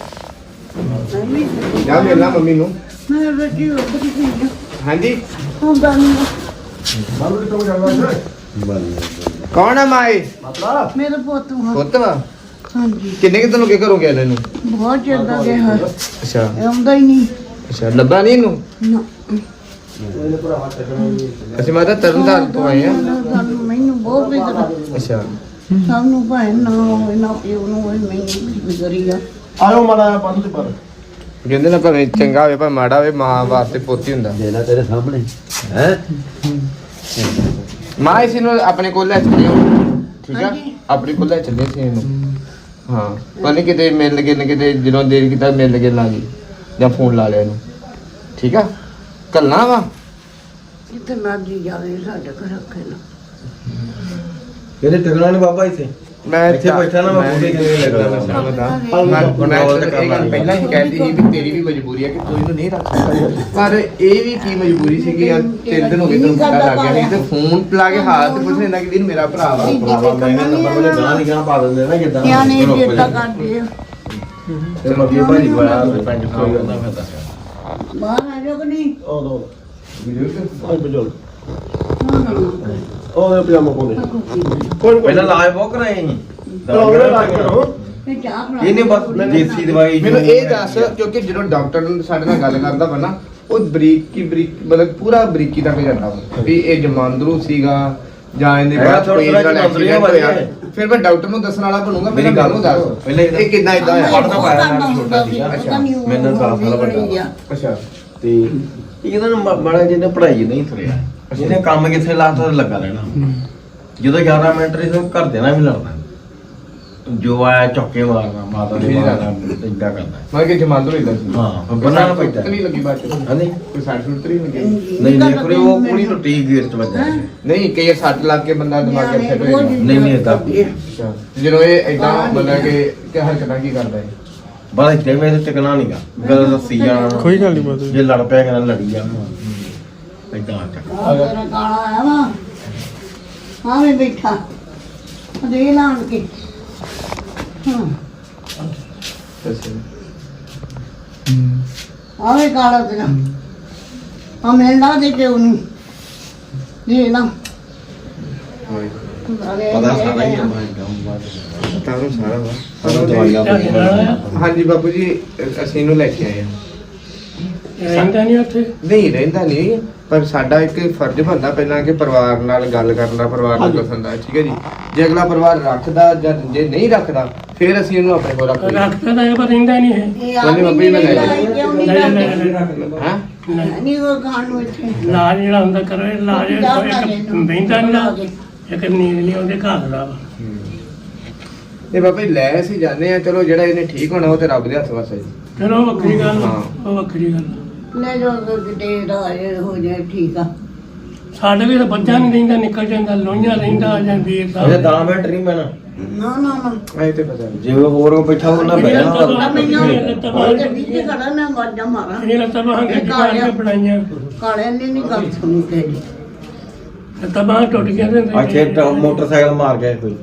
Speaker 1: ਜਾ ਮਿਲਣਾ ਮੰਮੀ ਨੂੰ
Speaker 10: ਮੈਂ ਬੇਟੀ ਉੱਧਰ ਹੀ ਗਈ
Speaker 1: ਹਾਂਜੀ
Speaker 10: ਹੁੰਦਾ ਨਹੀਂ
Speaker 2: ਬਾਪੂ ਕਿੱਥੇ ਹੋ ਜਾਂਦਾ
Speaker 1: ਕੌਣ ਆ ਮਾਏ
Speaker 10: ਮੇਰੇ ਪੁੱਤ ਨੂੰ
Speaker 1: ਪੁੱਤ ਵਾ
Speaker 10: ਹਾਂਜੀ
Speaker 1: ਕਿੰਨੇ ਕਿ ਤੈਨੂੰ ਕੀ ਕਰੋ ਗਿਆ ਇਹਨੂੰ
Speaker 10: ਬਹੁਤ ਚਿਰ ਦਾ ਗਿਆ
Speaker 1: ਅੱਛਾ
Speaker 10: ਆਉਂਦਾ ਹੀ ਨਹੀਂ
Speaker 1: ਅੱਛਾ ਲੱਭਾ ਨਹੀਂ ਇਹਨੂੰ
Speaker 10: ਨਾ
Speaker 1: ਅਸੀਂ ਮਾਤਾ ਤਰਨਤਾਰਨ ਤੋਂ ਆਏ ਆ
Speaker 10: ਸਾਨੂੰ ਮੈਨੂੰ ਬਹੁਤ ਫਿਕਰ
Speaker 1: ਅੱਛਾ
Speaker 10: ਸਾਨੂੰ ਭਾਵੇਂ ਨਾ ਹੋਵੇ ਨਾ ਪਿਓ ਨੂੰ ਹੋਵੇ ਮੈਨੂੰ ਵੀ ਫਿਕਰੀ ਆ
Speaker 2: ਆਇਓ ਮਾੜਾ ਜਿਹਾ ਬੰਦ ਤੇ ਪਰ
Speaker 1: ਕਹਿੰਦੇ ਨਾ ਭਾਵੇਂ ਚੰਗਾ ਹੋਵੇ ਭਾਵੇਂ ਮਾੜਾ ਹੋਵੇ ਮਾਂ ਵਾਸਤੇ ਪੋਤੀ ਹੁੰਦਾ
Speaker 7: ਦੇ ਲੈ ਤੇਰੇ ਸਾਹਮਣੇ ਹੈ
Speaker 1: ਮਾਂ ਇਸ ਨੂੰ ਆਪਣੇ ਕੋਲ ਲੈ ਚੱਲਿਓ ਠੀਕ ਆ ਆਪਣੇ ਕੋਲ ਲੈ ਚੱਲੇ ਸੀ ਇਹਨੂੰ ਹਾਂ ਪਾਣੀ ਕਿਤੇ ਮਿਲ ਗਏ ਨਾ ਕਿਤੇ ਜਦੋਂ ਦੇਰ ਕੀਤਾ ਮਿਲ ਗਏ ਲਾ ਗਈ ਜਾਂ ਫੋਨ ਲਾ ਲਿਆ ਇਹਨੂੰ ਠੀਕ ਆ ਕੱਲਣਾ ਵਾ
Speaker 10: ਕਿਤੇ ਮਰਜੀ ਜਾਵੇ ਸਾਡੇ ਘਰ ਰੱਖੇ ਨਾ
Speaker 9: ਇਹਦੇ ਟਿਕਣਾ ਨਹੀਂ ਬਾਬਾ ਇੱਥੇ
Speaker 1: ਮੈਂ
Speaker 9: ਇੱਥੇ ਬੈਠਾ ਨਾ ਮੈਂ ਬੋਲੇ ਕਿਵੇਂ ਲੱਗਦਾ
Speaker 1: ਮੈਂ ਮੈਂ ਇਹ ਗੱਲ ਪਹਿਲਾਂ ਹੀ ਕਹਿੰਦੀ ਸੀ ਵੀ ਤੇਰੀ ਵੀ ਮਜਬੂਰੀ ਹੈ ਕਿ ਤੂੰ ਇਹਨੂੰ ਨਹੀਂ ਰੱਖ ਸਕਦਾ ਪਰ ਇਹ ਵੀ ਕੀ ਮਜਬੂਰੀ ਸੀ ਕਿ ਯਾਰ ਤਿੰਨ ਦਿਨ ਹੋ ਗਏ ਤੈਨੂੰ ਪਤਾ ਲੱਗ ਗਿਆ ਨਹੀਂ ਤੇ ਫੋਨ ਲਾ ਕੇ ਹਾਲ ਤੇ ਪੁੱਛ ਲੈਂਦਾ ਕਿ ਵੀਰ ਮੇਰਾ ਭਰਾ ਵਾ
Speaker 9: ਭਰਾਵਾ ਮੈਂ ਨੰਬਰ ਵਾਲੇ ਗਾਂ ਨਹੀਂ ਗਾਂ ਪਾ ਦਿੰਦੇ ਨਾ ਕਿਦਾਂ
Speaker 10: ਨਿਆਣੇ ਜੇਤਾ ਕਰਦੇ ਆ
Speaker 9: ਤੇ ਮੱਗੀ ਭਾਜੀ ਕੋਇਆ ਪਿੰਡ ਕੋਈ ਹੁੰਦਾ ਫਿਰਦਾ
Speaker 10: ਬਾਹਰ ਆ ਜਾਓ ਕਿ ਨਹੀਂ
Speaker 2: ਉਹ ਦੋ ਆਈ ਬਜੋਲ ਉਹਦੇ ਪਜਾਮਾ ਪਾਉਂਦੇ ਕੋਈ
Speaker 9: ਪਹਿਲਾਂ ਲਾਜ ਬਹੁਤ ਕਰਾਏ ਸੀ
Speaker 2: ਕੋਈ ਲਾ ਕੇ ਕਰੋ
Speaker 10: ਤੇ ਚਾਹ ਬਣਾ
Speaker 9: ਇਹਨੇ ਬਸ ਦੇਸੀ ਦਵਾਈ
Speaker 1: ਮੈਨੂੰ ਇਹ ਦੱਸ ਕਿਉਂਕਿ ਜਦੋਂ ਡਾਕਟਰ ਸਾਡੇ ਨਾਲ ਗੱਲ ਕਰਦਾ ਵਾ ਨਾ ਉਹ ਬਰੀਕ ਕੀ ਬਰੀਕ ਮਤਲਬ ਪੂਰਾ ਬਰੀਕੀ ਤੱਕ ਜਾਂਦਾ ਵਾ ਵੀ ਇਹ ਜਮਾਂਦਰੂ ਸੀਗਾ ਜਾਂ ਇਹਦੇ
Speaker 9: ਹੈਗਾ
Speaker 1: ਬਾਅਦ ਕੋਈ
Speaker 9: ਥੋੜ੍ਹਾ
Speaker 1: ਨਾਲ
Speaker 9: ਜਿਹਾ
Speaker 1: ਐਕਸੀਡੈਂਟ
Speaker 9: ਵਧੀਆ
Speaker 1: ਹੋਇਆ ਫਿਰ ਮੈਂ ਡਾਕਟਰ ਨੂੰ ਦੱਸਣ ਵਾਲਾ ਬਣੂਗਾ
Speaker 9: ਮੇਰੀ
Speaker 1: ਪਹਿਲਾਂ
Speaker 9: ਗੱਲ
Speaker 1: ਮੈਨੂੰ ਦੱਸ
Speaker 9: ਪਹਿਲਾਂ
Speaker 1: ਇਹ ਕਿੰਨਾ ਇਦਾਂ ਹੋਇਆ
Speaker 9: ਪੜ੍ਹਦਾ ਪਾਇਆ ਮੈਂ ਛੋਟਾ ਸੀਗਾ ਮੈਨੂੰ ਦਸ ਸਾਲ ਵੱਡਾ
Speaker 1: ਅੱਛਾ
Speaker 9: ਤੇ ਇਹਨਾਂ ਨੂੰ ਮ- ਮਾੜਾ ਜਿਹਨੇ ਪੜ੍ਹਾਈ ਨਹੀਂ ਤੁਰਿਆ ਜਿਹਨੇ ਕੰਮ ਕਿੱਥੇ ਲਾਤਾ ਤੇ ਲੱਗਾ ਰਹਿਣਾ ਜਦੋਂ ਗਿਆਰਾਂ ਮਿੰਟ ਰਹੀ ਤਾਂ ਘਰ ਦੇ ਨਾਲ ਵੀ ਲੜਨਾ ਜੋ ਆਇਆ ਚੌਕੇ ਮਾਰਨਾ ਮਾਤਾ ਦੇ ਮਾਰਨਾ ਏਦਾਂ ਕਰਨਾ
Speaker 1: ਮੈਂ ਕਿ ਜਮਾਂਦਰੂ ਇਦਾਂ ਸੀ
Speaker 9: ਹਾਂ ਫਿਰ ਬੰਨਾ ਨਾ ਪੈਂਦਾ
Speaker 1: ਨਹੀਂ ਲੱਗੀ ਬਾਤ
Speaker 9: ਹਾਂਜੀ
Speaker 1: ਕੋਈ ਸਾਈਡ ਸੁੱਟ ਨਹੀਂ ਲੱਗੀ
Speaker 9: ਨਹੀਂ ਨਹੀਂ ਕੋਈ ਉਹ ਕੁੜੀ ਨੂੰ ਟੀ ਗੇਅਰ ਚ ਵੱਜਿਆ ਸੀ।
Speaker 1: ਨਹੀਂ ਕਈ ਸੱਟ ਲੱਗ ਕੇ ਬੰਦਾ ਦਿਮਾਗ ਅਪਸੈਟ ਹੋ ਜਾਂਦਾ
Speaker 9: ਨਹੀਂ ਨਹੀਂ ਏਦਾਂ
Speaker 1: ਅੱਛਾ ਜਦੋਂ ਇਹ ਇਦਾਂ ਮਤਲਬ ਕਿ ਕਿ ਹਰਕਤਾਂ ਕੀ ਕਰਦਾ ਹੈ
Speaker 9: ਬੜਾ ਇੱਥੇ ਮੈਂ ਟਿਕਣਾ ਨਹੀਂਗਾ ਗੱਲ ਦੱਸੀ ਜਾਣਾ
Speaker 6: ਕੋਈ ਗੱਲ ਨਹੀਂ ਬਾਤ
Speaker 9: ਜੇ ਲੜ ਪਿਆ ਕਹਿੰਦਾ ਲੜੀ ਜਾਣਾ ਏਦਾਂ ਚੱਕ
Speaker 10: ਤੇਰਾ ਕਾਲਾ ਆਇਆ ਵਾ ਹਾਂ ਮੈਂ ਬੈਠਾ ਦੇ ਲਾਣ ਕੇ ਹਾਂ
Speaker 1: ਅੱਛਾ
Speaker 10: ਆਵੇ ਕਾਲਾ ਤੇਰਾ ਆ ਮਿਲਣਾ ਦੇ ਕੇ ਉਹਨੂੰ ਦੇ ਨਾ
Speaker 9: ਪਤਾ ਸਾਰਾ ਹੀ ਆ ਮੈਂ ਕੰਮ
Speaker 1: ਤਾਰੋ ਸਾਰਾ ਵਾ
Speaker 9: ਸਾਰਾ ਦਵਾਈਆਂ
Speaker 1: ਹਾਂਜੀ ਬਾਪੂ ਜੀ ਅ- ਅਸੀਂ ਇਹਨੂੰ ਲੈ ਕੇ ਆਏ ਹਾਂ
Speaker 8: ਰਹਿੰਦਾ ਨਹੀਂ ਉੱਥੇ
Speaker 1: ਨਹੀਂ ਰਹਿੰਦਾ ਨਹੀਂ ਪਰ ਸਾਡਾ ਇੱਕ ਫਰਜ਼ ਬਣਦਾ ਪਹਿਲਾਂ ਕਿ ਪਰਿਵਾਰ ਨਾਲ ਗੱਲ ਕਰਨ ਦਾ ਪਰਿਵਾਰ ਨੂੰ ਦੱਸਣ ਦਾ ਠੀਕ ਹੈ ਜੀ ਜੇ ਅਗਲਾ ਪਰਿਵਾਰ ਰੱਖਦਾ ਜਾਂ ਜੇ ਨਹੀਂ ਰੱਖਦਾ ਫਿਰ ਅਸੀਂ ਇਹਨੂੰ ਆਪਣੇ ਕੋਲ ਰੱਖਦੇ ਹਾਂ
Speaker 8: ਰੱਖਦਾ ਤਾਂ ਇਹ ਪਰ ਰਹਿੰਦਾ ਨਹੀਂ ਇਹ
Speaker 10: ਇਹ ਆ
Speaker 1: ਉਹਨੇ ਮੰਮੀ ਨੇ ਲੈ ਲਿਆ।
Speaker 10: ਕਿਉਂ ਨਹੀਂ
Speaker 8: ਲੈ ਲੈ ਲੈ
Speaker 10: ਕਰਦੇ?
Speaker 8: ਲੈ
Speaker 1: ਹਾਂ
Speaker 10: ਨਹੀਂ ਉਹ ਖਾਣ ਨੂੰ ਇੱਥੇ
Speaker 8: ਇਲਾਜ ਜਿਹੜਾ ਹੁੰਦਾ ਕਰੋ ਇਲਾਜ ਇੱਕ ਬਹਿੰਦਾ ਨਹੀਂ ਨਾ ਇੱਕ ਨੀਂਦ ਨਹੀਂ ਆਉਂਦੀ ਘਰ ਦਾ ਵਾ
Speaker 1: ਇਹ ਬਾਬਾ ਜੀ ਲੈ ਅਸੀਂ ਜਾਂਦੇ ਆ ਚਲੋ ਜਿਹੜਾ ਇਹਨੇ ਠੀਕ ਹੋਣਾ ਉਹ ਤੇ ਰੱਬ ਦੇ ਹੱਥ ਵਸ ਹੈ ਜੀ
Speaker 8: ਚਲੋ ਉਹ ਵੱਖਰੀ ਗੱਲ ਆ,
Speaker 1: ਹਾਂ।
Speaker 8: ਉਹ ਵੱਖਰੀ ਗੱਲ ਆ।
Speaker 10: ਲੈ ਜੋ ਕਿਤੇ ਦਾ ਇਹ ਹੋ ਜਾਏ ਠੀਕ ਆ
Speaker 8: ਸਾਡੇ ਵੀ ਤਾਂ ਬੱਚਾ ਨਹੀਂ ਰਹਿੰਦਾ ਨਿਕਲ ਜਾਂਦਾ ਲੋਹੀਆਂ ਰਹਿੰਦਾ ਜਾਂ ਵੀਰ
Speaker 9: ਇਹ
Speaker 8: ਸਾਹਿਬ
Speaker 9: ਦਸ ਮਿੰਟ ਨਹੀਂ ਮੈਨਾਂ
Speaker 10: ਨਾ ਨਾ ਨਾ
Speaker 1: ਇਹ ਤੇ ਪਤਾ ਨਹੀਂ
Speaker 9: ਜੇ ਹੋਰ ਕੋ ਬੈਠਾ ਉਹਨਾਂ ਬਹਿ
Speaker 10: ਆ
Speaker 9: ਜਾਣਾ
Speaker 10: ਮੈਨੂੰ ਉਹ ਗੱਡੀ ਤੇ ਖੜਾ ਮੈਂ ਵਾਜਾ ਮਾਰਾਂ
Speaker 8: ਇਹ ਤਾਂ ਬਾਹਾਂ ਗੱਡੀ ਕੇ ਬਣਾਈਆਂ
Speaker 10: ਕਾਲੇ ਨੇ ਨਹੀਂ ਗੱਲ ਸੁਣੀ ਤੇਰੀ
Speaker 8: ਤਾਂ ਬਾਹਾਂ ਟੁੱਟ ਗਿਆ ਤੇ
Speaker 9: ਇੱਥੇ ਤਾਂ ਮੋਟਰਸਾਈਕਲ ਮਾਰ ਗਿਆ ਕੋਈ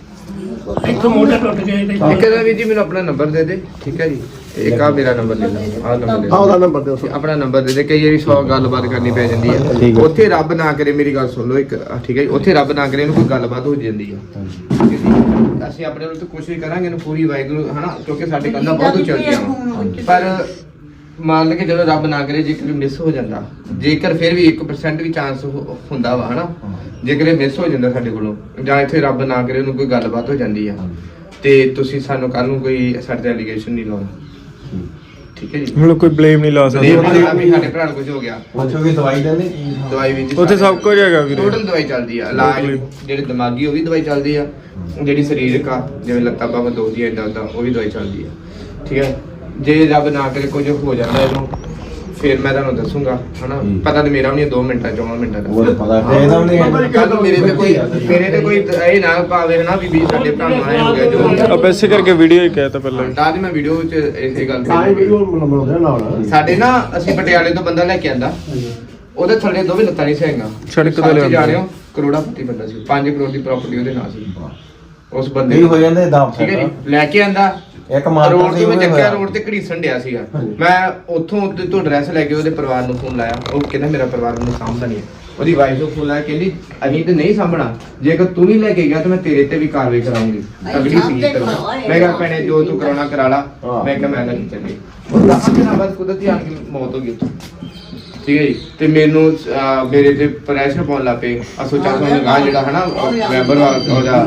Speaker 8: ਇੱਥੋਂ ਮੋਟਰ ਟੁੱਟ ਗਿਆ ਤੇ
Speaker 1: ਇੱਕ ਦਾ ਵੀ ਜੀ ਮੈਨੂੰ ਆਪਣਾ ਨੰਬਰ ਦੇ ਦੇ ਠੀਕ ਹੈ ਜੀ ਇੱਕ ਆ ਮੇਰਾ ਨੰਬਰ ਲੈ ਲਓ ਆਹ ਨੰਬਰ ਦੇ
Speaker 2: ਹਾਂ ਉਹਦਾ ਨੰਬਰ ਦਿਓ
Speaker 1: ਦਿਓ। ਆਪਣਾ ਨੰਬਰ ਦੇ ਦੇ ਕਈ ਵਾਰੀ ਸੌ ਗੱਲਬਾਤ ਕਰਨੀ ਪੈ ਜਾਂਦੀ ਹੈ ਉੱਥੇ ਰੱਬ ਨਾ ਕਰੇ ਮੇਰੀ ਗੱਲ ਸੁਣ ਲਓ ਇੱਕ ਆਹ ਠੀਕ ਹੈ ਜੀ ਉੱਥੇ ਰੱਬ ਨਾ ਕਰੇ ਇਹਨੂੰ ਕੋਈ ਗੱਲਬਾਤ ਹੋ ਜਾਂਦੀ ਹੈ ਠੀਕ ਹੈ ਜੀ ਅਸੀਂ ਆਪਣੇ ਵੱਲੋਂ ਤਾਂ ਕੋਸ਼ਿਸ਼ ਕਰਾਂਗੇ ਇਹਨੂੰ ਪੂਰੀ ਵਾਹਿਗੁਰੂ ਹਨਾ ਕਿਉਂਕਿ ਸਾਡੇ ਕੰਨਾਂ ਬਹੁਤ ਉੱਚੀਆਂ ਵਾ ਪਰ ਮੰਨ ਕੇ ਜਦੋਂ ਰੱਬ ਨਾ ਕਰੇ ਜੇਕਰ ਮਿਸ ਹੋ ਜਾਂਦਾ ਜੇਕਰ ਫਿਰ ਵੀ ਇੱਕ ਪਰਸੈਂਟ ਵੀ ਚਾਂਸ ਹੁੰਦਾ ਵਾ ਹਨਾ ਜੇਕਰ ਇਹ ਮਿਸ ਹੋ ਜਾਂਦਾ ਸਾਡੇ ਕੋਲੋਂ ਜਾਂ ਇੱਥੇ ਰੱਬ ਨਾ ਕਰੇ ਉਹਨੂੰ ਕੋਈ ਗੱਲਬਾਤ ਹੋ ਜਾਂਦੀ ਆ ਤੇ ਤੁਸੀਂ ਸਾਨੂੰ ਕੱਲ ਨੂੰ ਕੋਈ ਸਾਡੇ ਤੇ ਐਲੀਗੇਸ਼ਨ ਨਹੀਂ ਲਾਉਣਾ ਠੀਕ ਹੈ ਜੀ
Speaker 6: ਹੁਣ ਕੋਈ ਬਲੇਮ ਨਹੀਂ ਲਾ
Speaker 1: ਇਹ ਮਤਲਬ ਵੀ ਸਾਡੇ ਭਰਾ ਨੂੰ ਕੁਝ ਹੋ ਗਿਆ
Speaker 9: ਪੁੱਛੋਗੇ ਦਵਾਈ ਦਿੰਦੇ ਕੀ
Speaker 1: ਦਵਾਈ ਵਿੱਚ
Speaker 6: ਉੱਥੇ ਸਭ ਕੁਝ ਹੈਗਾ ਵੀਰੇ
Speaker 1: ਟੋਟਲ ਦਵਾਈ ਚੱਲਦੀ ਆ ਇਲਾਜ ਜਿਹੜੀ ਦਿਮਾਗੀ ਉਹ ਵੀ ਦਵਾਈ ਚੱਲਦੀ ਆ ਜਿਹੜੀ ਸਰੀਰਕ ਆ ਜਿਵੇਂ ਲੱਤਾਂ ਬਾਹਾਂ ਦੁਖਦੀਆਂ ਇਦਾਂ ਉਦਾਂ ਉਹ ਵੀ ਦਵਾਈ ਚੱਲਦੀ ਆ ਠੀਕ ਹੈ ਜੇ ਰੱਬ ਨਾ ਕਰੇ ਕੁਝ ਹੋ ਜਾਂਦਾ ਇਹਨੂੰ ਫਿਰ ਮੈਂ ਤੁਹਾਨੂੰ ਦੱਸੂਗਾ ਹਨਾ ਪਤਾ ਤੇ ਮੇਰਾ ਵੀ ਨਹੀਂ ਦੋ ਮਿੰਟਾਂ ਚੌਵਾਂ ਮਿੰਟਾਂ ਦਾ
Speaker 9: ਉਹ ਤਾਂ ਪਤਾ ਇਹਦਾ ਵੀ ਨਹੀਂ
Speaker 1: ਕੱਲ ਨੂੰ ਮੇਰੇ ਤੇ ਕੋਈ ਮੇਰੇ ਤੇ ਕੋਈ ਇਹ ਨਾ ਪਾਵੇ ਹਨਾ ਵੀ ਵੀ ਸਾਡੇ ਭਰਾ ਨੂੰ ਆਏ ਹੋ ਗਿਆ ਜੋ
Speaker 6: ਅਬ ਇਸੇ ਕਰਕੇ ਵੀਡੀਓ ਹੀ ਕਹਿਤਾ ਪਹਿਲਾਂ ਹੀ।
Speaker 1: ਤਾਂ ਦੀ ਮੈਂ ਵੀਡੀਓ ਵਿੱਚ ਇਸੇ ਗੱਲ
Speaker 2: ਤਾਂ ਹੀ
Speaker 1: ਤੇ
Speaker 2: ਵੀਡੀਓ ਬਣਾਉਂਦੇ ਨਾਲ
Speaker 1: ਸਾਡੇ ਨਾ ਅਸੀਂ ਪਟਿਆਲੇ ਤੋਂ ਬੰਦਾ ਲੈ ਕੇ ਆਂਦਾ ਉਹਦੇ ਥੱਲੇ ਦੋਵੇਂ ਲੱਤਾਂ ਨਹੀਂ ਸਹੀਆਂ
Speaker 6: ਸੜਕ ਤੋਂ ਲਿਆਂਦਾ।
Speaker 1: ਜਾ ਰਹੇ ਹੋ ਕਰੋੜਾਪਤੀ ਬੰਦਾ ਸੀ ਪੰਜ ਕਰੋੜ ਦੀ ਪ੍ਰਾਪਰਟੀ ਉਹਦੇ ਨਾਂ ਸੀ ਉਸ ਬੰਦੇ
Speaker 9: ਨਹੀਂ ਹੋ ਜਾਂਦੇ ਦਾਮ
Speaker 1: ਠੀਕ ਹੈ ਜੀ ਲੈ ਕੇ ਆਂਦਾ
Speaker 9: ਇੱਕ ਮਾਰ
Speaker 1: ਰੋਡ ਤੇ ਮੈਂ ਚੱਕਿਆ ਰੋਡ ਤੇ ਘੜੀਸਣ ਡਿਆ ਸੀਗਾ ਮੈਂ ਉੱਥੋਂ ਉੱਤੇ ਤੋਂ ਐਡਰੈਸ ਲੈ ਕੇ ਉਹਦੇ ਪਰਿਵਾਰ ਨੂੰ ਫੋਨ ਲਾਇਆ ਉਹ ਕਹਿੰਦਾ ਮੇਰਾ ਪਰਿਵਾਰ ਮੈਨੂੰ ਸਾਂਭਦਾ ਨਹੀਂ ਹੈ। ਉਹਦੀ ਵਾਈਫ ਨੂੰ ਫੋਨ ਲਾਇਆ ਕਹਿੰਦੀ ਅਸੀਂ ਤੇ ਨਹੀਂ ਸਾਂਭਣਾ ਜੇਕਰ ਤੂੰ ਨਹੀਂ ਲੈ ਕੇ ਗਿਆ ਤਾਂ ਮੈਂ ਤੇਰੇ ਤੇ ਵੀ ਕਾਰਵਾਈ ਕਰਾਉਂਗੀ ਅਗਲੀ ਸੀ ਕਰੋ ਮੈਂ ਕਿਹਾ ਭੈਣੇ ਜੋ ਤੂੰ ਕਰਾਉਣਾ ਕਰਾ ਲਾ ਮੈਂ ਕਿਹਾ ਮੈਂ ਨਹੀਂ ਚੱਲੀ ਉਹ ਦਸ ਦਿਨਾਂ ਬਾਅਦ ਕੁਦਰਤੀ ਆਣ ਕੇ ਮੌਤ ਹੋ ਗਈ ਉੱਥੋਂ ਠੀਕ ਹੈ ਜੀ ਤੇ ਮੈਨੂੰ ਅਹ, ਮੇਰੇ ਤੇ ਪ੍ਰੈਸ਼ਰ ਪਾਉਣ ਲੱਗ ਪਏ ਅਸੋਚਾ ਸੋਨ ਲਗਾ ਜਿਹੜਾ ਹਨਾ ਮੈਂਬਰ ਵਾ ਉਹਦਾ